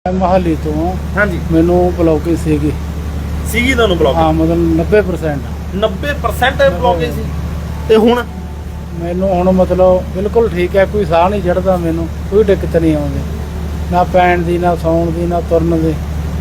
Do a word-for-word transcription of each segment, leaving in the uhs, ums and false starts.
ਮਹਾਲੀ ਤੋਂ ਹਾਂਜੀ ਮੈਨੂੰ ਬਲੌਕੇਜ ਸੀਗੀ ਸੀਗੀ ਤੁਹਾਨੂੰ ਬਲੌਕ ਹਾਂ ਮਤਲਬ ਨੱਬੇ ਪ੍ਰਸੈਂਟ ਨੱਬੇ ਪ੍ਰਸੈਂਟ ਬਲੌਕੇਜ ਸੀ ਤੇ ਹੁਣ ਮੈਨੂੰ ਹੁਣ ਮਤਲਬ ਬਿਲਕੁਲ ਠੀਕ ਹੈ, ਕੋਈ ਸਾਹ ਨਹੀਂ ਚੜਦਾ, ਮੈਨੂੰ ਕੋਈ ਦਿੱਕਤ ਨਹੀਂ ਆਉਂਦੀ, ਨਾ ਪੈਣ ਦੀ ਨਾ ਸੌਣ ਦੀ ਨਾ ਤੁਰਨ ਦੀ,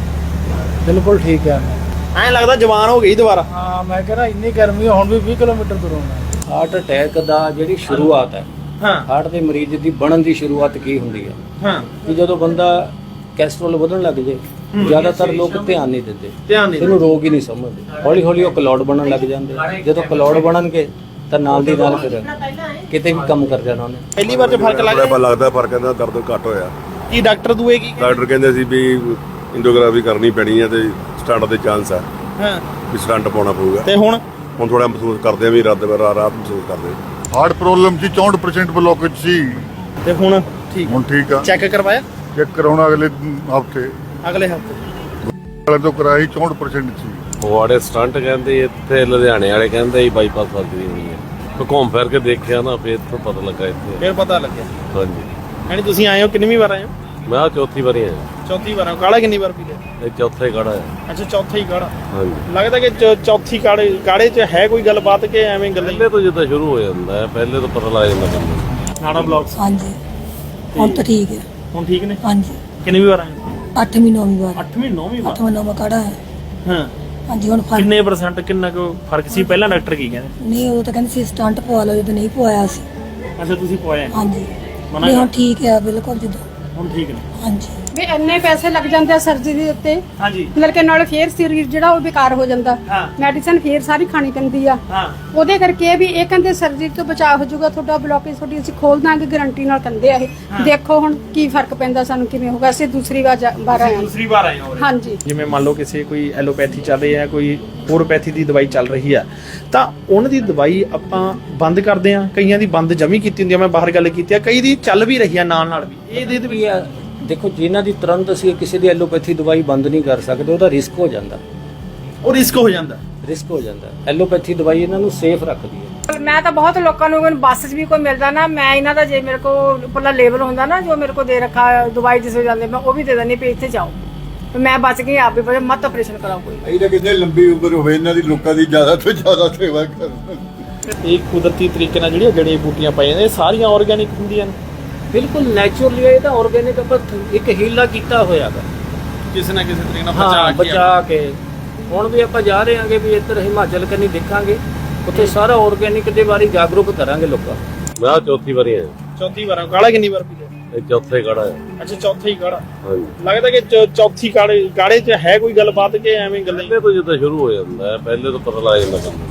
ਬਿਲਕੁਲ ਠੀਕ ਹੈ। ਐਂ ਲੱਗਦਾ ਜਵਾਨ ਹੋ ਗਈ ਦੁਬਾਰਾ। ਹਾਂ ਮੈਂ ਕਹਿੰਦਾ ਇੰਨੀ ਗਰਮੀ ਹੁਣ ਵੀ ਵੀਹ ਕਿਲੋਮੀਟਰ ਤੁਰੂੰਗਾ। ਹਾਰਟ ਅਟੈਕ ਦਾ ਜਿਹੜੀ ਸ਼ੁਰੂਆਤ ਹੈ, ਹਾਂ ਹਾਰਟ ਦੇ ਮਰੀਜ਼ ਦੀ ਬਣਨ ਦੀ ਸ਼ੁਰੂਆਤ ਕੀ ਹੁੰਦੀ ਹੈ ਹਾਂ ਕਿ ਜਦੋਂ ਬੰਦਾ ਕੈਸਟਰੋਲ ਵਧਣ ਲੱਗ ਜੇ, ਜ਼ਿਆਦਾਤਰ ਲੋਕ ਧਿਆਨ ਨਹੀਂ ਦਿੰਦੇ, ਧਿਆਨ ਨਹੀਂ ਇਹਨੂੰ ਰੋਗ ਹੀ ਨਹੀਂ ਸਮਝਦੇ। ਹੌਲੀ ਹੌਲੀ ਉਹ ਕਲੌੜ ਬਣਨ ਲੱਗ ਜਾਂਦੇ, ਜਦੋਂ ਕਲੌੜ ਬਣਨਗੇ ਤਾਂ ਨਾਲ ਦੀ ਨਾਲ ਫਿਰ ਕਿਤੇ ਵੀ ਕੰਮ ਕਰ ਜਾਣਾ ਉਹਨੇ। ਪਹਿਲੀ ਵਾਰ ਚ ਫਰਕ ਲੱਗ ਥੋੜਾ ਗਿਆ ਲੱਗਦਾ ਪਰ ਕਹਿੰਦਾ ਦਰਦ ਘੱਟ ਹੋਇਆ। ਕੀ ਡਾਕਟਰ ਦੂਏ ਕੀ ਡਾਕਟਰ ਕਹਿੰਦੇ ਸੀ ਵੀ ਇੰਡੋਗ੍ਰਾਫੀ ਕਰਨੀ ਪੈਣੀ ਹੈ ਤੇ ਸਟੰਟ ਦੇ ਚਾਂਸ ਆ ਹਾਂ ਵੀ ਸਟੰਟ ਪਾਉਣਾ ਪਊਗਾ। ਤੇ ਹੁਣ ਹੁਣ ਥੋੜਾ ਮਹਿਸੂਸ ਕਰਦੇ ਆ ਵੀ ਰਾਤ ਰਾਤ ਮਹਿਸੂਸ ਕਰਦੇ ਆ। ਹਾਰਟ ਪ੍ਰੋਬਲਮ ਸੀ, ਚੌਂਹਠ ਪ੍ਰਸੈਂਟ ਬਲੌਕੇਜ ਸੀ, ਤੇ ਹੁਣ ਠੀਕ ਹੁਣ ਠੀਕ ਆ। ਚੈੱਕ ਕਰਵਾਇਆ ਚੈੱਕ ਕਰਾਉਣਾ ਅਗਲੇ ਹਫਤੇ ਅਗਲੇ ਹਫਤੇ ਵਾਲੇ ਤੋਂ ਕਰਾਈ, ਚੌਂਹਠ ਪ੍ਰਸੈਂਟ ਸੀ। ਫਗਵਾੜੇ ਸਟੰਟ ਕਹਿੰਦੇ, ਇੱਥੇ ਲੁਧਿਆਣੇ ਵਾਲੇ ਕਹਿੰਦੇ ਹੀ ਬਾਈਪਾਸ ਸਰਜਰੀ ਹੋਣੀ ਹੈ। ਤੇ ਘੁੰਮ ਫਿਰ ਕੇ ਦੇਖਿਆ ਨਾ, ਫਿਰ ਤੋਂ ਪਤਾ ਲੱਗਾ ਇੱਥੇ। ਫਿਰ ਪਤਾ ਲੱਗਿਆ। ਹਾਂਜੀ ਯਾਨੀ ਤੁਸੀਂ ਆਏ ਹੋ ਕਿੰਨੀ ਵਾਰ ਆਏ ਹੋ? ਮੈਂ ਆਹ ਚੌਥੀ ਵਾਰੀ ਆਇਆ। ਚੌਥੀ ਵਾਰ ਆਏ। ਕਾੜਾ ਕਿੰਨੀ ਵਾਰ ਪੀ ਲਿਆ? ਇਹ ਚੌਥਾ ਹੀ ਕਾੜਾ ਹੈ। ਅੱਛਾ ਚੌਥਾ ਹੀ ਕਾੜਾ। ਹਾਂਜੀ ਲੱਗਦਾ ਕਿ ਚੌ- ਚੌਥੀ ਕਾੜੇ ਕਾੜੇ 'ਚ ਹੈ ਕੋਈ ਗੱਲਬਾਤ ਕਿ ਐਵੇਂ ਗੱਲਾਂ ਹੀ? ਪਹਿਲੇ ਤੋਂ ਜਿੱਦਾਂ ਸ਼ੁਰੂ ਹੋ ਜਾਂਦਾ ਹੈ, ਪਹਿਲੇ ਤੋਂ ਪਤਾ ਲੱਗ ਜਾਂਦਾ ਬੰਦੇ ਨੂੰ। ਨਾੜਾ ਬਲੌਕਸ ਹਾਂਜੀ ਹੁਣ ਤਾਂ ਠੀਕ ਹੈ। ਹੁਣ ਠੀਕ ਨੇ? ਹਾਂਜੀ ਕਿੰਨੀ ਵਾਰ ਆਏ ਹੋ? ਅੱਠਵੀਂ ਨੌਵੀਂ ਵਾਰ ਅੱਠਵੀਂ ਨੌਵੀਂ ਵਾਰ। ਅੱਠਵਾਂ ਨੌਵਾਂ ਕਾੜਾ ਹੈ। ਹਾਂ ਹਾਂਜੀ ਹੁਣ ਫਰਕ ਕਿੰਨੇ ਪਰਸੈਂਟ ਕਿੰਨਾ ਕੁ ਫਰਕ ਸੀ? ਪਹਿਲਾਂ ਡਾਕਟਰ ਕੀ ਕਹਿੰਦੇ? ਨਹੀਂ, ਉਦੋਂ ਤਾਂ ਕਹਿੰਦੇ ਸੀ ਸਟੰਟ ਪਵਾ ਲਓ, ਜਦੋਂ ਨਹੀਂ ਪਵਾਇਆ ਸੀ। ਅੱਛਾ ਤੁਸੀਂ ਪਵਾਇਆ? ਹਾਂਜੀ ਮਨਾ ਨਹੀਂ ਹੁਣ ਕਰ- ਠੀਕ ਹੈ ਬਿਲਕੁਲ ਜਦੋਂ। ਹੁਣ ਠੀਕ ਨੇ? ਹਾਂਜੀ ਵੀ ਇੰਨੇ ਪੈਸੇ ਲੱਗ ਜਾਂਦੇ ਆ ਸਰਜਰੀ ਦੇ ਉੱਤੇ, ਹਾਂਜੀ ਮਤਲਬ ਕਿ ਨਾਲ ਫੇਰ ਸਰੀਰ ਜਿਹੜਾ ਉਹ ਬੇਕਾਰ ਹੋ ਜਾਂਦਾ। ਹਾਂ। ਮੈਡੀਸਨ ਫੇਰ ਸਾਰੀ ਖਾਣੀ ਪੈਂਦੀ ਆ। ਹਾਂ ਉਹਦੇ ਕਰਕੇ ਵੀ ਇਹ ਕਹਿੰਦੇ ਸਰਜਰੀ ਤੋਂ ਬਚਾਅ ਹੋ ਜਾਊਗਾ, ਤੁਹਾਡਾ ਬਲੌਕੇਜ ਤੁਹਾਡੀ ਅਸੀਂ ਖੋਲ ਦਾਂਗੇ, ਗਾਰੰਟੀ ਨਾਲ ਕਹਿੰਦੇ ਆ ਇਹ। ਦੇਖੋ ਹੁਣ ਕੀ ਫਰਕ ਪੈਂਦਾ, ਸਾਨੂੰ ਕਿਵੇਂ ਹੋਗਾ। ਅਸੀਂ ਦੂਸਰੀ ਵਾਰ ਜਾ- ਵਾਰ ਆਏ ਹਾਂ। ਦੂਸਰੀ ਵਾਰ ਆਏ ਹੋ? ਹਾਂਜੀ ਜਿਵੇਂ ਮੰਨ ਲਓ ਕਿਸੇ ਕੋਈ ਐਲੋਪੈਥੀ ਚੱਲ ਰਹੀ ਹੈ, ਕੋਈ ਹੋਰੋਪੈਥੀ ਦੀ ਦਵਾਈ ਚੱਲ ਰਹੀ ਆ, ਤਾਂ ਉਹਨਾਂ ਦੀ ਦਵਾਈ ਆਪਾਂ ਬੰਦ ਕਰਦੇ ਆ। ਕਈਆਂ ਦੀ ਬੰਦ ਜਮੀ ਕੀਤੀ ਹੁੰਦੀ ਆ, ਮੈਂ ਬਾਹਰ ਗੱਲ ਕੀਤੀ ਆ, ਕਈ ਦੀ ਚੱਲ ਵੀ ਰਹੀ ਆ ਨਾਲ ਨਾਲ ਵੀ। ਇਹਦੇ ਤੇ ਵੀ ਆ ਦੇਖੋ, ਜਿਨ੍ਹਾਂ ਦੀ ਤੁਰੰਤ ਅਸੀਂ ਕਿਸੇ ਦੀ ਐਲੋਪੈਥੀ ਦਵਾਈ ਬੰਦ ਨਹੀਂ ਕਰ ਸਕਦੇ, ਉਹਦਾ ਰਿਸਕ ਹੋ ਜਾਂਦਾ। ਉਹ ਰਿਸਕ ਹੋ ਜਾਂਦਾ। ਰਿਸਕ ਹੋ ਜਾਂਦਾ। ਐਲੋਪੈਥੀ ਦਵਾਈ ਇਹਨਾਂ ਨੂੰ ਸੇਫ ਰੱਖਦੀ ਹੈ। ਮੈਂ ਤਾਂ ਬਹੁਤ ਲੋਕਾਂ ਨੂੰ ਬੱਸ 'ਚ ਵੀ ਕੋਈ ਮਿਲਦਾ ਨਾ, ਮੈਂ ਇਹਨਾਂ ਦਾ ਜੇ ਮੇਰੇ ਕੋਲ ਉੱਪਰਲਾ ਲੇਬਲ ਹੁੰਦਾ ਨਾ, ਜੋ ਮੇਰੇ ਕੋਲ ਦੇ ਰੱਖਾ ਦਵਾਈ ਜਿਸ ਹੋ ਜਾਂਦੇ, ਮੈਂ ਉਹ ਵੀ ਦੇ ਦਿੰਦੀ ਵੀ ਇੱਥੇ ਜਾਓ। ਮੈਂ ਬਚ ਗਈ, ਆਪ ਵੀ ਬਚ, ਮਤ ਆਪਰੇਸ਼ਨ ਕਰਾਓ ਕੋਈ। ਇਹ ਤਾਂ ਕਿੰਨੇ ਲੰਬੀ ਉਮਰ ਹੋਵੇ ਇਹਨਾਂ ਦੀ, ਲੋਕਾਂ ਦੀ ਜ਼ਿਆਦਾ ਤੋਂ ਜ਼ਿਆਦਾ ਸੇਵਾ ਕਰਨ। ਇਹ ਕੁਦਰਤੀ ਤਰੀਕੇ ਨਾਲ ਜਿਹੜੀਆਂ ਜੜੀਆਂ ਬੂਟੀਆਂ ਪਾਈਆਂ ਨੇ, ਇਹ ਸਾਰੀਆਂ ਆਰਗੈਨਿਕ ਹੁੰਦੀਆਂ ਨੇ? ਬਿਲਕੁਲ ਨੈਚੁਰਲੀ, ਇਹ ਤਾਂ ਆਰਗੈਨਿਕ ਆਪਾਂ ਇੱਕ ਹੀਲਾ ਕੀਤਾ ਹੋਇਆ ਵਾ, ਕਿਸੇ ਨਾ ਕਿਸੇ ਤਰੀਕੇ ਨਾਲ ਹਾਂ ਬਚਾ ਕੇ ਬਚਾ ਕੇ। ਹੁਣ ਵੀ ਆਪਾਂ ਜਾ ਰਹੇ ਹਾਂਗੇ ਵੀ ਇੱਧਰ ਹਿਮਾਚਲ ਕੰਨੀ ਦੇਖਾਂਗੇ, ਉੱਥੇ ਸਾਰਾ ਆਰਗੈਨਿਕ ਦੇ ਬਾਰੇ ਜਾਗਰੂਕ ਕਰਾਂਗੇ ਲੋਕਾਂ। ਮੈਂ ਆਹ ਚੌਥੀ ਵਾਰੀ ਆਇਆ। ਚੌਥੀ ਵਾਰ। ਕਾੜਾ ਕਿੰਨੀ ਵਾਰ ਪੀ ਲਿਆ? ਇਹ ਚੌਥਾ ਹੀ ਕਾੜਾ ਹੈ। ਅੱਛਾ ਚੌਥਾ ਹੀ ਕਾੜਾ। ਹਾਂਜੀ ਲੱਗਦਾ ਕਿ ਚੌ- ਚੌਥੀ ਕਾੜੇ ਕਾੜੇ 'ਚ ਹੈ ਕੋਈ ਗੱਲਬਾਤ ਕਿ ਐਵੇਂ ਗੱਲਾਂ ਹੀ? ਪਹਿਲੇ ਤੋਂ ਜਿੱਦਾਂ ਸ਼ੁਰੂ ਹੋ ਜਾਂਦਾ ਹੈ, ਪਹਿਲੇ ਤੋਂ ਪਤਾ ਲੱਗ ਜਾਂਦਾ ਬੰਦੇ ਨੂੰ।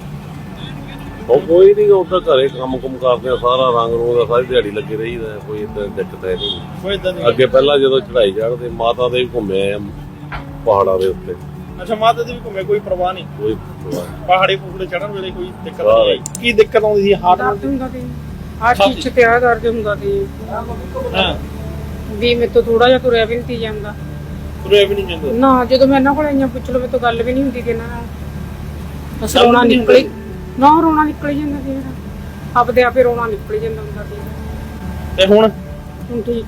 ਉਹ ਕੋਈ ਨਹੀਂ, ਉੱਦਾਂ ਘਰੇ ਕੰਮ ਕੁਮ ਕਰਦੇ ਆ, ਸਾਰਾ ਰੰਗ ਰੂੰਗ ਦਾ ਸਾਰੀ ਦਿਹਾੜੀ ਲੱਗੇ ਰਹੀਦਾ, ਕੋਈ ਏਦਾਂ ਦਿੱਕਤ ਹੈ ਨਹੀਂ। ਕੋਈ ਏਦਾਂ ਦੀ? ਅੱਗੇ ਪਹਿਲਾਂ ਜਦੋਂ ਚੜਾਈ ਚੜ੍ਹਦੇ, ਮਾਤਾ ਦੇ ਵੀ ਘੁੰਮੇ ਆ ਪਹਾੜਾਂ ਦੇ ਉੱਤੇ, ਅੱਛਾ ਮਾਤਾ ਦੀ ਵੀ ਘੁੰਮੇ, ਕੋਈ ਪਰਵਾਹ ਨਹੀਂ? ਕੋਈ ਪਰਵਾਹ ਨਹੀਂ। ਪਹਾੜੀ ਪੂੜੇ ਚੜਨ ਵੇਲੇ ਕੋਈ ਦਿੱਕਤ ਵਾਹ ਨਹੀਂ? ਕੀ ਦਿੱਕਤ ਆਉਂਦੀ ਸੀ ਹਾਰਟ ਨਾਲ? ਹੁੰਦਾ ਸੀ ਆਹ ਚੀਜ਼ ਤੇ ਆ ਦਰਦ ਹੁੰਦਾ ਸੀ ਹਾਂ ਵੀ ਮੇਰੇ ਤੋਂ ਥੋੜਾ ਜਿਹਾ ਤੁਰਿਆ ਵੀ ਨਹੀਂ ਸੀ ਜਾਂਦਾ ਤੁਰੇ ਵੀ ਨਹੀਂ ਜਾਂਦੇ? ਨਾ। ਜਦੋਂ ਮੈਂ ਇਹਨਾਂ ਕੋਲ ਆਈਆਂ ਪੁੱਛ ਲਓ, ਮੇਰੇ ਤੋਂ ਗੱਲ ਵੀ ਨਹੀਂ ਹੁੰਦੀ ਕਿ ਇਹਨਾਂ ਨਾਲ, ਬਸ ਰੋਣਾ ਨਿਕਲੀ ਨਾ, ਰੋਣਾ ਨਿਕਲ ਜਾਂਦਾ ਸੀ ਮੇਰਾ, ਆਪਦੇ ਆਪੇ ਰੋਣਾ ਨਿਕਲ ਜਾਂਦਾ ਹੁੰਦਾ ਸੀ। ਤੇ ਹੁਣ ਹੁਣ ਠੀਕ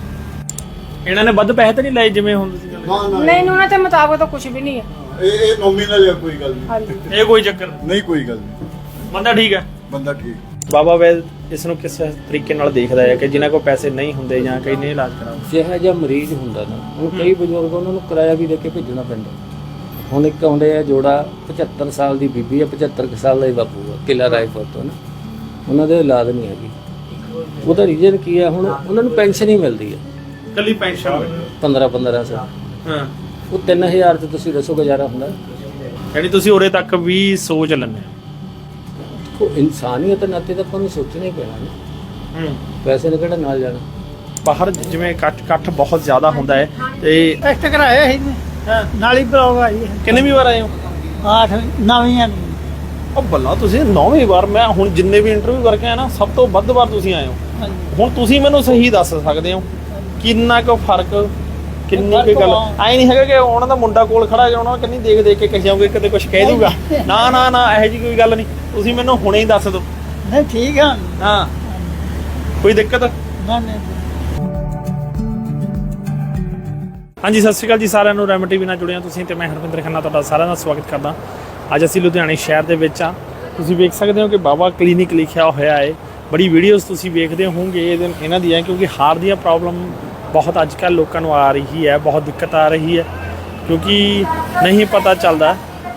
ਆ। ਇਹਨਾਂ ਨੇ ਵੱਧ ਪੈਸੇ ਤਾਂ ਨਹੀਂ ਲਏ ਜਿਵੇਂ ਹੁਣ ਤੁਸੀਂ ਗੱਲ? ਨਹੀਂ, ਉਹਨਾਂ ਦੇ ਮੁਤਾਬਕ ਤਾਂ ਕੁਝ ਵੀ ਨਹੀਂ ਹੈ। ਇਹ ਇਹ ਨੋਮੀਨਲ ਹੈ, ਕੋਈ ਗੱਲ ਨਹੀਂ। ਹਾਂਜੀ ਇਹ ਕੋਈ ਚੱਕਰ ਨਹੀਂ? ਨਹੀਂ ਕੋਈ ਗੱਲ ਨਹੀਂ, ਬੰਦਾ ਠੀਕ ਹੈ? ਬੰਦਾ ਠੀਕ। ਬਾਬਾ ਵੈਦ ਇਸ ਨੂੰ ਕਿਸ ਤਰੀਕੇ ਨਾਲ ਦੇਖਦਾ ਹੈ ਕਿ ਜਿਨ੍ਹਾਂ ਕੋਲ ਪੈਸੇ ਨਹੀਂ ਹੁੰਦੇ ਜਾਂ ਕਈ ਨਹੀਂ ਇਲਾਜ ਕਰਾਉਂਦੇ? ਜਿਹੋ ਜਿਹਾ ਮਰੀਜ਼ ਹੁੰਦਾ ਨਾ, ਉਹ ਕਈ ਬਜ਼ੁਰਗ ਉਹਨਾਂ ਨੂੰ ਕਿਰਾਇਆ ਵੀ ਦੇ ਕੇ ਭੇਜਣਾ ਪੈਂਦਾ। ਹੁਣ ਇੱਕ ਆਉਂਦੇ ਆ ਜੋੜਾ, ਪਝੱਤਰ ਸਾਲ ਦੀ ਬੀਬੀ ਆ, ਪਝੱਤਰ ਕੁ ਸਾਲ ਦਾ ਹੀ ਬਾਪੂ ਆ, ਕਿਲਾ ਰਾਏਪੁਰ ਤੋਂ ਨਾ, ਉਹਨਾਂ ਦੇ ਔਲਾਦ ਨਹੀਂ ਹੈਗੀ। ਉਹਦਾ ਰੀਜ਼ਨ ਕੀ ਆ? ਹੁਣ ਉਹਨਾਂ ਨੂੰ ਪੈਨਸ਼ਨ ਹੀ ਮਿਲਦੀ ਆ ਕੱਲੀ ਪੈਨਸ਼ਨ? ਪੰਦਰਾਂ ਪੰਦਰਾਂ ਸੌ। ਹਾਂ। ਉਹ ਤਿੰਨ ਹਜ਼ਾਰ ਤੇ ਤੁਸੀਂ ਦੱਸੋ ਗੁਜ਼ਾਰਾ ਹੁੰਦਾ? ਯਾਨੀ ਤੁਸੀਂ ਉਰੇ ਤੱਕ ਵੀ ਸੋਚ ਲੈਂਦੇ ਦੇਖੋ, ਇਨਸਾਨੀਅਤ ਨਾਤੇ ਤਾਂ ਆਪਾਂ ਨੂੰ ਸੋਚਣਾ ਹੀ ਪੈਣਾ ਨਾ, ਹੋ? ਪੈਸੇ ਨੇ ਕਿਹੜਾ ਨਾਲ ਜਾਣਾ। ਬਾਹਰ ਜਿਵੇਂ ਕੱਟ ਕੱਟ ਬਹੁਤ ਜ਼ਿਆਦਾ ਹੁੰਦਾ ਹੈ ਤੇ ਟੈਸਟ ਕਰਾਇਆ ਸੀ ਨਾਲ ਹੀ ਬਲੌਕ ਆਈ ਕਿੰਨੇ ਵੀ ਵਾਰ ਆਏ ਹੋ? ਆਠ ਨਵੀਂ ਉਹ ਬੱਲਾ, ਤੁਸੀਂ ਨੌਵੀਂ ਵਾਰ। ਮੈਂ ਹੁਣ ਜਿੰਨੇ ਵੀ ਇੰਟਰਵਿਊ ਕਰਕੇ ਆਇਆ ਨਾ, ਸਭ ਤੋਂ ਵੱਧ ਵਾਰ ਤੁਸੀਂ ਆਏ ਹੋ। ਹੁਣ ਤੁਸੀਂ ਮੈਨੂੰ ਸਹੀ ਦੱਸ ਸਕਦੇ ਹੋ ਕਿੰਨਾ ਕੁ ਫਰਕ, ਕਿੰਨੀ ਕੁ ਗੱਲ? ਐ ਨਹੀਂ ਹੈਗਾ ਕਿ ਉਹਨਾਂ ਦਾ ਮੁੰਡਾ ਕੋਲ ਖੜਾ ਹੈ, ਉਹਨਾਂ ਨੂੰ ਕਿੰਨੀ ਦੇਖ ਦੇਖ ਕੇ ਕਹੀ ਜਾਓਗੇ, ਕਦੇ ਕੁਝ ਕਹਿ ਦੂਗਾ? ਨਾ ਨਾ ਨਾ, ਇਹੋ ਜਿਹੀ ਕੋਈ ਗੱਲ ਨਹੀਂ। ਤੁਸੀਂ ਮੈਨੂੰ ਹੁਣੇ ਹੀ ਦੱਸ ਦਿਓ। ਨਹੀਂ ਠੀਕ ਆ। ਹਾਂ ਕੋਈ ਦਿੱਕਤ? ਨਾ ਨਹੀਂ ਹਾਂਜੀ ਸਤਿ ਸ਼੍ਰੀ ਅਕਾਲ ਜੀ ਸਾਰਿਆਂ ਨੂੰ। ਰੈਮ ਟੀਵੀ ਨਾਲ ਜੁੜਿਆ ਤੁਸੀਂ ਤੇ ਮੈਂ ਹਰਵਿੰਦਰ ਖੰਨਾ ਤੁਹਾਡਾ ਸਾਰਿਆਂ ਦਾ ਸਵਾਗਤ ਕਰਦਾ। ਅੱਜ ਅਸੀਂ ਲੁਧਿਆਣੇ ਸ਼ਹਿਰ ਦੇ ਵਿੱਚ ਆ। ਤੁਸੀਂ ਵੇਖ ਸਕਦੇ ਹੋ ਕਿ ਬਾਬਾ ਕਲੀਨਿਕ ਲਿਖਿਆ ਹੋਇਆ ਹੈ। ਬੜੀ ਵੀਡੀਓਜ਼ ਤੁਸੀਂ ਵੇਖਦੇ ਹੋਵੋਗੇ ਇਹਦੇ ਇਹਨਾਂ ਦੀਆਂ, ਕਿਉਂਕਿ ਹਾਰਟ ਦੀਆਂ ਪ੍ਰੋਬਲਮ ਬਹੁਤ ਅੱਜ ਕੱਲ੍ਹ ਲੋਕਾਂ ਨੂੰ ਆ ਰਹੀ ਹੈ, ਬਹੁਤ ਦਿੱਕਤ ਆ ਰਹੀ ਹੈ, ਕਿਉਂਕਿ ਨਹੀਂ ਪਤਾ ਚੱਲਦਾ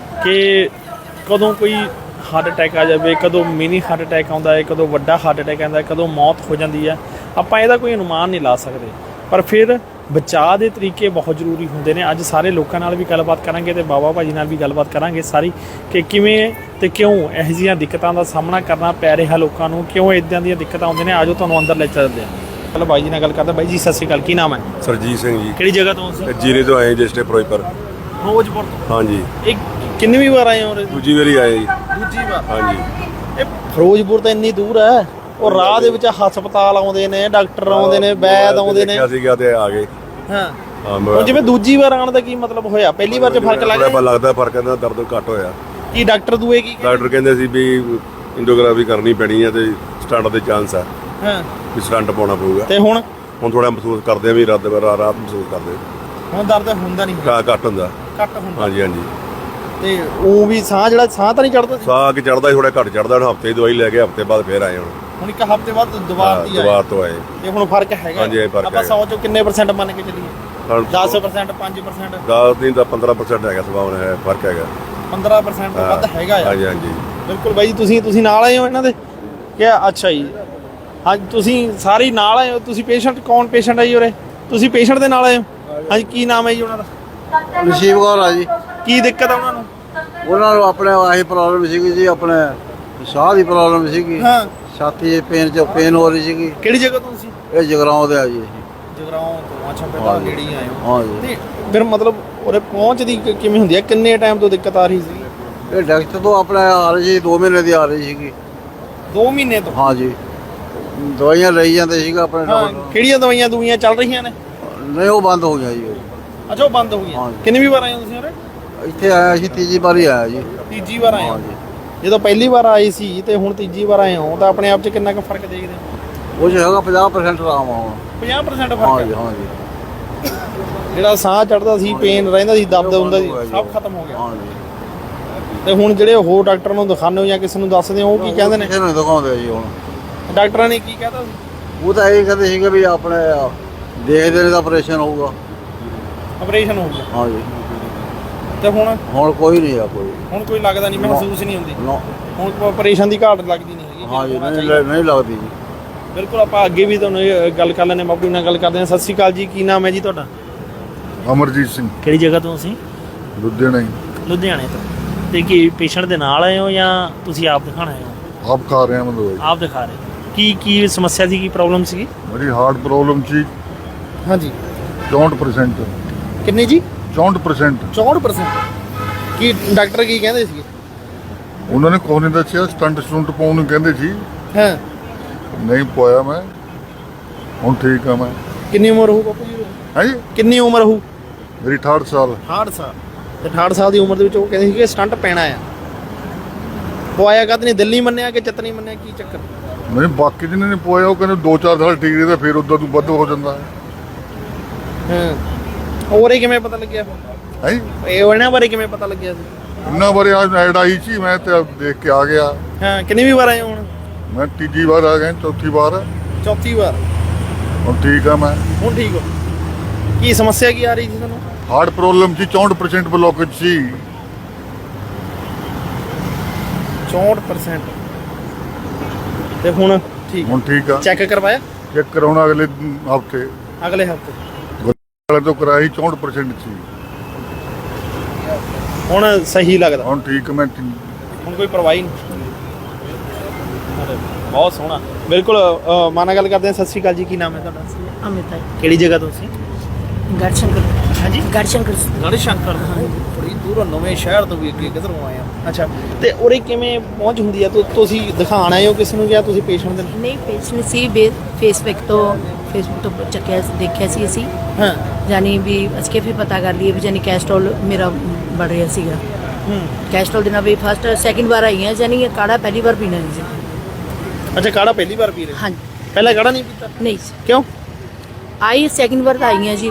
ਕਿ ਕਦੋਂ ਕੋਈ ਹਾਰਟ ਅਟੈਕ ਆ ਜਾਵੇ, ਕਦੋਂ ਮਿਨੀ ਹਾਰਟ ਅਟੈਕ ਆਉਂਦਾ ਹੈ, ਕਦੋਂ ਵੱਡਾ ਹਾਰਟ ਅਟੈਕ ਆਉਂਦਾ ਹੈ, ਕਦੋਂ ਮੌਤ ਹੋ ਜਾਂਦੀ ਹੈ। ਆਪਾਂ ਇਹਦਾ ਕੋਈ ਅਨੁਮਾਨ ਨਹੀਂ ਲਾ ਸਕਦੇ, ਪਰ ਫਿਰ ਬਚਾਅ ਦੇ ਤਰੀਕੇ ਬਹੁਤ ਜ਼ਰੂਰੀ ਹੁੰਦੇ ਨੇ। ਅੱਜ ਸਾਰੇ ਲੋਕਾਂ ਨਾਲ ਵੀ ਗੱਲਬਾਤ ਕਰਾਂਗੇ ਤੇ ਬਾਬਾ ਭਾਜੀ ਨਾਲ ਵੀ ਗੱਲਬਾਤ ਕਰਾਂਗੇ ਸਾਰੀ, ਕਿ ਕਿਵੇਂ ਤੇ ਕਿਉਂ ਇਹੋ ਜਿਹੀਆਂ ਦਿੱਕਤਾਂ ਦਾ ਸਾਹਮਣਾ ਕਰਨਾ ਪੈ ਰਿਹਾ ਲੋਕਾਂ ਨੂੰ, ਕਿਉਂ ਇਦਾਂ ਦੀਆਂ ਦਿੱਕਤਾਂ ਆਉਂਦੀਆਂ ਨੇ। ਆਜੋ ਤੁਹਾਨੂੰ ਅੰਦਰ ਲੈ ਚੱਲਦੇ ਹਾਂ। ਚਲੋ ਬਾਈ ਜੀ ਨਾਲ ਗੱਲ ਕਰਦਾ। ਬਾਈ ਜੀ ਸਤਿ ਸ਼੍ਰੀ ਅਕਾਲ, ਕੀ ਨਾਮ ਹੈ? ਸਰਜੀਤ ਸਿੰਘ ਜੀ, ਕਿਹੜੀ ਜਗ੍ਹਾ ਤੋਂ ਤੁਸੀਂ? ਜੀਰੇ ਤੋਂ ਆਏ ਜਿਸਟੇ ਫਿਰੋਜ਼ਪੁਰ। ਫਿਰੋਜ਼ਪੁਰ ਤੋਂ? ਹਾਂਜੀ। ਇਹ ਕਿੰਨੀ ਵਾਰ ਆਏ ਹੋ? ਦੂਜੀ ਵਾਰੀ ਆਏ ਜੀ। ਦੂਜੀ ਵਾਰ? ਹਾਂਜੀ। ਇਹ ਫਿਰੋਜ਼ਪੁਰ ਤਾਂ ਇੰਨੀ ਦੂਰ ਹੈ, ਉਹ ਰਾਹ ਦੇ ਵਿੱਚ ਹਸਪਤਾਲ ਆਉਂਦੇ ਨੇ, ਡਾਕਟਰ ਆਉਂਦੇ ਨੇ, ਵੈਦ ਆਉਂਦੇ ਨੇ। ਦੇਖਿਆ ਸੀਗਾ ਤੇ ਆ ਗਏ। ਹਾਂ। ਹਾਂ ਹੁਣ ਜਿਵੇਂ ਦੂਜੀ ਵਾਰ ਆਉਣ ਦਾ ਕੀ ਮਤਲਬ ਹੋਇਆ? ਪਹਿਲੀ ਵਾਰ 'ਚ ਫਰਕ ਲੱਗ ਥੋੜ੍ਹਾ ਗਿਆ? ਲੱਗਦਾ ਫਰਕ, ਇਹਦਾ ਦਰਦ ਘੱਟ ਹੋਇਆ। ਕੀ ਡਾਕਟਰ ਦੂਏ ਕੀ ਕਹਿੰਦੇ? ਡਾਕਟਰ ਕਹਿੰਦੇ ਸੀ ਵੀ ਇੰਡੋਗ੍ਰਾਫੀ ਕਰਨੀ ਪੈਣੀ ਹੈ ਤੇ ਸਟੰਟ ਦੇ ਚਾਂਸ ਆ, ਹਾਂ, ਵੀ ਸਟੰਟ ਪਾਉਣਾ ਪਊਗਾ। ਤੇ ਹੁਣ ਹੁਣ ਥੋੜਾ ਮਹਿਸੂਸ ਕਰਦੇ ਆ ਵੀ ਰਾਤ ਰਾ- ਰਾਤ ਮਹਿਸੂਸ ਕਰਦੇ ਹੁਣ ਦਰਦ ਹੁੰਦਾ ਨਹੀਂ? ਘਾ ਘੱਟ ਹੁੰਦਾ। ਘੱਟ ਹੁੰਦਾ? ਹਾਂਜੀ ਹਾਂਜੀ। ਤੇ ਉਹ ਵੀ ਸਾਹ ਜਿਹੜਾ ਸਾਹ ਤਾਂ ਨਹੀਂ ਚੜਦਾ? ਸਾਹ ਕਿ ਚੜਦਾ ਥੋੜਾ ਘੱਟ ਚੜਦਾ। ਹੁਣ ਹਫਤੇ ਦੀ ਦਵਾਈ ਲੈ ਕੇ ਹਫਤੇ ਬਾਅਦ ਫੇਰ ਆਏ। ਹੁਣ ਹੁਣ ਇੱਕ ਹਫ਼ਤੇ ਬਾਅਦ ਦੁਬਾਰਾ ਦੀ ਆਏ? ਦੁਬਾਰਾ ਤੋਂ ਆਏ। ਤੇ ਹੁਣ ਫਰਕ ਹੈਗਾ? ਹਾਂਜੀ, ਇਹ ਫਰਕ ਆਪਾਂ ਹੈਗਾ। ਸੌ ਚੋਂ ਕਿੰਨੇ ਪਰਸੈਂਟ ਮੰਨ ਕੇ ਚੱਲੀਏ? ਦਸ ਪਰਸੈਂਟ, ਪੰਜ ਪਰਸੈਂਟ? ਦਸ ਨਹੀਂ ਤਾਂ ਪੰਦਰਾਂ ਪਰਸੈਂਟ ਹੈਗਾ, ਸੰਭਾਵਨਾ ਹੈ, ਫਰਕ ਹੈਗਾ। ਪੰਦਰਾਂ ਪਰਸੈਂਟ ਤੋਂ ਵੱਧ ਹੈਗਾ ਆ? ਹਾਂਜੀ ਹਾਂਜੀ। ਬਿਲਕੁਲ ਬਾਈ ਜੀ। ਤੁਸੀਂ ਤੁਸੀਂ ਨਾਲ ਆਏ ਹੋ ਇਹਨਾਂ ਦੇ ਕਿ? ਅੱਛਾ ਜੀ। ਹਾਂਜੀ, ਤੁਸੀਂ ਸਾਰੇ ਹੀ ਨਾਲ ਆਏ ਹੋ? ਤੁਸੀਂ ਪੇਸ਼ੈਂਟ? ਕੌਣ ਪੇਸ਼ੈਂਟ ਹੈ ਜੀ ਉਰੇ? ਤੁਸੀਂ ਪੇਸ਼ੈਂਟ ਦੇ ਨਾਲ ਆਏ ਹੋ? ਹਾਂਜੀ, ਕੀ ਨਾਮ ਹੈ ਜੀ ਉਹਨਾਂ ਦਾ? ਨਸੀਬ ਕੌਰ ਆ ਜੀ। ਕੀ ਦਿੱਕਤ ਆ ਉਹਨਾਂ ਨੂੰ? ਉਹਨਾਂ ਨੂੰ ਆਪਣੇ ਆਹੀ ਪ੍ਰੋਬਲਮ ਸੀਗੀ ਜੀ, ਆਪਣੇ ਸਾਹ ਦੀ ਪ੍ਰੋਬਲਮ ਸੀਗੀ, ਹਾਂ। ਛਾਤੀ 'ਚ ਪੇਨ 'ਚ ਪੇਨ ਹੋ ਰਹੀ ਸੀਗੀ। ਕਿਹੜੀ ਜਗ੍ਹਾ ਤੋਂ ਤੁਸੀਂ? ਇਹ ਜਗਰਾਉਂ ਦੇ ਆ ਜੀ। ਜਗਰਾਉਂ ਤੋਂ? ਅੱਛਾ, ਪਹਿਲਾਂ ਨੇੜੇ ਹੀ ਆਏ ਹੋ। ਹਾਂ ਜੀ। ਤੇ ਫਿਰ ਮਤਲਬ ਉਰੇ ਪਹੁੰਚਦੀ ਕਿ- ਕਿਵੇਂ ਹੁੰਦੀ ਹੈ? ਕਿੰਨੇ ਟਾਈਮ ਤੋਂ ਦਿੱਕਤ ਆ ਰਹੀ ਸੀ? ਇਹ ਡਾਕਟਰ ਤੋਂ ਆਪਣੇ ਆ ਰਹੀ ਸੀ, ਦੋ ਮਹੀਨੇ ਦੀ ਆ ਰਹੀ ਸੀਗੀ। ਦੋ ਮਹੀਨੇ ਤੋਂ? ਹਾਂ ਜੀ। ਦਵਾਈਆਂ ਲਈ ਜਾਂਦੇ ਸੀਗਾ ਆਪਣੇ ਹਾਂ। ਡਾਕਟਰ। ਕਿਹੜੀਆਂ ਦਵਾਈਆਂ ਦਵਾਈਆਂ ਚੱਲ ਰਹੀਆਂ ਨੇ? ਨਹੀਂ, ਉਹ ਬੰਦ ਹੋ ਗਿਆ ਜੀ। ਅੱਛਾ, ਉਹ ਬੰਦ ਹੋ ਗਈਆਂ। ਹਾਂ ਜੀ। ਕਿੰਨੀ ਵੀ ਵਾਰ ਆਏ ਹੋ ਤੁਸੀਂ ਉਰੇ? ਇੱਥੇ ਆਇਆ ਸੀ, ਤੀਜੀ ਵਾਰੀ ਆਇਆ ਜੀ। ਤੀਜੀ ਵਾਰ ਆਏ ਹਾਂ ਹੋ? ਜੀ। ਜਦੋਂ ਪਹਿਲੀ ਵਾਰ ਆਏ ਸੀ ਤੇ ਹੁਣ ਤੀਜੀ ਵਾਰ ਆਏ ਹੋ, ਤਾਂ ਆਪਣੇ ਆਪ 'ਚ ਕਿੰਨਾ ਕੁ ਫਰਕ ਦੇਖਦੇ ਹੋ? ਉਹ 'ਚ ਹੈਗਾ ਪੰਜਾਹ ਪਰਸੈਂਟ ਆਰਾਮ ਆ ਹੁਣ। ਪੰਜਾਹ ਪਰਸੈਂਟ ਹਾਂ ਫਰਕ ਜੀ। ਹੈ? ਹਾਂ ਜੀ। ਜਿਹੜਾ ਸਾਹ ਚੜਦਾ ਸੀ, ਪੇਨ ਰਹਿੰਦਾ ਸੀ, ਦਰਦ ਹੁੰਦਾ ਸੀ, ਸਭ ਖਤਮ ਹੋ ਗਿਆ। ਹਾਂ ਜੀ। ਤੇ ਹੁਣ ਜਿਹੜੇ ਹੋਰ ਡਾਕਟਰ ਨੂੰ ਦਿਖਾਉਂਦੇ ਹੋ ਜਾਂ ਕਿਸੇ ਨੂੰ ਦੱਸਦੇ ਹੋ, ਉਹ ਕੀ ਕਹਿੰਦੇ ਨੇ? ਕਿਸੇ ਨੂੰ ਦਿਖਾਉਂਦੇ ਜੀ ਹੁਣ। ਡਾਕਟਰਾਂ ਨੇ ਕੀ ਕਹਿਤਾ ਸੀ? ਉਹ ਤਾਂ ਇਹ ਕਹਿੰਦੇ ਸੀਗੇ ਵੀ ਆਪਣੇ ਦੇਖਦੇ ਨੇ ਤਾਂ ਆਪਰੇਸ਼ਨ ਹੋਊਗਾ। ਆਪਰੇਸ਼ਨ ਹੋ ਗਿਆ? ਹਾਂ ਜੀ। ਤੇ ਹੁਣ? ਹੁਣ ਕੋਈ ਨਹੀਂ ਆ ਕੋਈ। ਹੁਣ ਕੋਈ ਲੱਗਦਾ ਨਹੀਂ, ਮਹਿਸੂਸ ਨਹੀਂ ਹੁੰਦੀ? ਨਾ। ਹੁਣ ਆਪਰੇਸ਼ਨ ਦੀ ਘਾਟ ਲੱਗਦੀ ਨਹੀਂ ਹੈਗੀ? ਹਾਂ ਜੀ। ਹੋਣਾ ਨਹੀਂ ਚਾਹੀਦਾ। ਨਹੀਂ ਲੱਗਦੀ ਜੀ। ਬਿਲਕੁਲ। ਆਪਾਂ ਅੱਗੇ ਵੀ ਤੁਹਾਨੂੰ ਇਹ ਗੱਲ ਕਰ ਲੈਂਦੇ, ਬਾਬੂ ਨਾਲ ਗੱਲ ਕਰਦੇ ਹਾਂ। ਸਤਿ ਸ਼੍ਰੀ ਅਕਾਲ ਜੀ, ਕੀ ਨਾਮ ਹੈ ਜੀ ਤੁਹਾਡਾ? ਅਮਰਜੀਤ ਸਿੰਘ, ਕਿਹੜੀ ਜਗ੍ਹਾ ਤੋਂ ਤੁਸੀਂ? ਲੁਧਿਆਣੇ। ਲੁਧਿਆਣੇ ਤੋਂ? ਤੇ ਕੀ ਪੇਸ਼ੈਂਟ ਦੇ ਨਾਲ ਆਏ ਹੋ ਜਾਂ ਤੁਸੀਂ ਆਪ ਦਿਖਾਣ ਆਏ ਹੋ? ਆਪ ਖਾ ਰਹੇ ਹਾਂ ਮੈਂ ਦਵਾਈ। ਆਪ ਦਿਖਾ ਰਹੇ? ਕੀ ਕੀ ਸਮੱਸਿਆ ਸੀ, ਕੀ ਪ੍ਰੋਬਲਮ ਸੀਗੀ? ਮੇਰੀ ਹਾਰਟ ਪ੍ਰੋਬਲਮ ਸੀ। ਹਾਂਜੀ। ਚੌਂਹਠ ਪਰਸੈਂਟ। ਕਿੰਨੀ ਜੀ? ਚੌਂਹਠ ਪਰਸੈਂਟ। ਚੌਂਹਠ ਪਰਸੈਂਟ? ਕੀ ਡਾਕਟਰ ਕੀ ਕਹਿੰਦੇ ਸੀਗੇ? ਉਹਨਾਂ ਨੇ ਕੋਈ ਨਹੀਂ ਦੱਸਿਆ, ਸਟੰਟ ਸਟੁੰਟ ਪਾਉਣ ਨੂੰ ਕਹਿੰਦੇ ਸੀ। ਹਾਂ। ਨਹੀਂ ਪਾਇਆ ਮੈਂ, ਹੁਣ ਠੀਕ ਆ ਮੈਂ। ਕਿੰਨੀ ਉਮਰ ਹੋਊ ਬਾਪੂ ਜੀ? ਹੈ ਜੀ, ਕਿੰਨੀ ਉਮਰ ਹੋਊ? ਮੇਰੀ ਅਠਾਹਠ ਸਾਲ। ਅਠਾਹਠ ਸਾਲ? ਤੇ ਅਠਾਹਠ ਸਾਲ ਦੀ ਉਮਰ ਦੇ ਵਿੱਚ ਉਹ ਕਹਿੰਦੇ ਸੀ ਕਿ ਸਟੰਟ ਪੈਣਾ ਆ। ਪਵਾਇਆ ਕਦ ਨਹੀਂ? ਦਿੱਲੀ ਮੰਨਿਆ ਕਿ ਚਤਨੀ ਮੰਨਿਆ? ਕੀ ਚੱਕਰ? ਨਹੀਂ, ਬਾਕੀ ਜਿਹਨੇ ਨੇ ਪਾਇਆ ਉਹ ਕਹਿੰਦੇ ਦੋ ਚਾਰ ਸਾਲ ਠੀਕ ਰਹਿੰਦਾ, ਫਿਰ ਉਦੋਂ ਤੋਂ ਵੱਧ ਹੋ ਜਾਂਦਾ ਹੈ। ਹਾਂ। ਹੋਰ ਇਹ ਕਿਵੇਂ ਪਤਾ ਲੱਗਿਆ? ਹੈ ਜੀ, ਇਹ ਇਹਨਾਂ ਬਾਰੇ ਕਿਵੇਂ ਪਤਾ ਲੱਗਿਆ ਸੀ? ਇੰਨਾ ਬਾਰੇ ਅੱਜ ਐਡ ਆਈ ਸੀ, ਮੈਂ ਤੇ ਦੇਖ ਕੇ ਆ ਗਿਆ। ਹਾਂ। ਕਿੰਨੀ ਵੀ ਵਾਰ ਆਏ ਹੋ ਹੁਣ? ਮੈਂ ਤੀਜੀ ਵਾਰ ਆ ਗਿਆ, ਚੌਥੀ ਵਾਰ। ਚੌਥੀ ਵਾਰ? ਹੁਣ ਠੀਕ ਆ ਮੈਂ। ਹੁਣ ਠੀਕ ਹੋ? ਕੀ ਸਮੱਸਿਆ ਕੀ ਆ ਰਹੀ ਸੀ ਤੁਹਾਨੂੰ? ਹਾਰਟ ਪ੍ਰੋਬਲਮ ਸੀ, ਚੌਂਹਠ ਪਰਸੈਂਟ ਬਲੋਕੇਜ ਸੀ। ਚੌਂਹਠ ਪਰਸੈਂਟ? ਤੇ ਹੁਣ ਠੀਕ? ਹੁਣ ਠੀਕ ਆ। ਚੈੱਕ ਕਰਵਾਇਆ? ਚੈੱਕ ਕਰਾਉਣਾ ਅਗਲੇ ਹਫਤੇ। ਅਗਲੇ ਹਫਤੇ? ਵਾਲੇ ਤੋਂ ਕਰਾਈ, ਚੌਂਹਠ ਪਰਸੈਂਟ ਸੀ। ਹੁਣ ਸਹੀ ਲੱਗਦਾ? ਹੁਣ ਠੀਕ ਮੈਂ ਠੀਕ। ਹੁਣ ਕੋਈ ਪਰਵਾਹ ਨਹੀਂ? ਬਹੁਤ ਸੋਹਣਾ। ਬਿਲਕੁਲ। ਅ, ਮਾਂ ਨਾਲ ਗੱਲ ਕਰਦੇ ਹਾਂ। ਸਤਿ ਸ਼੍ਰੀ ਅਕਾਲ ਜੀ, ਕੀ ਨਾਮ ਹੈ ਤੁਹਾਡਾ? ਅਮਿਤਾ ਕਿਹੜੀ ਜਗ੍ਹਾ ਤੋਂ ਤੁਸੀਂ? ਗੜਸ਼ੰਕਰ। ਹਾਂਜੀ। ਗੜਸ਼ੰਕਰ। ਗੜ ਸ਼ੰਕਰ? ਬੜੀ ਦੂਰੋਂ, ਨਵੇਂ ਸ਼ਹਿਰ ਤੋਂ ਵੀ ਅੱਗੇ ਕਿਧਰੋਂ ਆਏ ਆ? ਅੱਛਾ। ਤੇ ਉਰੇ ਕਿਵੇਂ ਪਹੁੰਚ ਹੁੰਦੀ ਆ? ਤੁ- ਤੁਸੀਂ ਦਿਖਾਣ ਆਏ ਹੋ ਕਿਸੇ ਨੂੰ ਜਾਂ ਤੁਸੀਂ ਪੇਸ਼ੈਂਟ ਦੇ? ਨਹੀਂ, ਪੇਸ਼ੈਂਟ ਸੀ ਫੇਸਬੁੱਕ ਤੋਂ ਫੇਸਬੁੱਕ ਤੋਂ ਚੱਕਿਆ ਦੇਖਿਆ ਸੀ ਅਸੀਂ। ਹਾਂ। ਜਾਨੀ ਵੀ ਅਸੀਂ ਫਿਰ ਪਤਾ ਕਰ ਲਈਏ ਵੀ ਜਾਨੀ ਕੈਸਟਰੋਲ ਮੇਰਾ ਵੱਧ ਰਿਹਾ ਸੀਗਾ। ਹੂੰ। ਕੈਸਟਰੋਲ ਦੇ ਨਾਲ ਵੀ ਫਸਟ ਸੈਕਿੰਡ ਵਾਰ ਆਈ ਹਾਂ, ਜਾਨੀ ਇਹ ਕਾੜਾ ਪਹਿਲੀ ਵਾਰ ਪੀਣਾ ਨਹੀਂ ਸੀ। ਅੱਛਾ, ਕਾੜਾ ਪਹਿਲੀ ਵਾਰ ਪੀ ਰਹੇ? ਹਾਂਜੀ। ਪਹਿਲਾਂ ਕਾੜਾ ਨਹੀਂ ਪੀਤਾ? ਨਹੀਂ ਸੀ। ਕਿਉਂ? ਆਈ ਸੈਕਿੰਡ ਵਾਰ ਤਾਂ ਆਈ ਹਾਂ ਜੀ।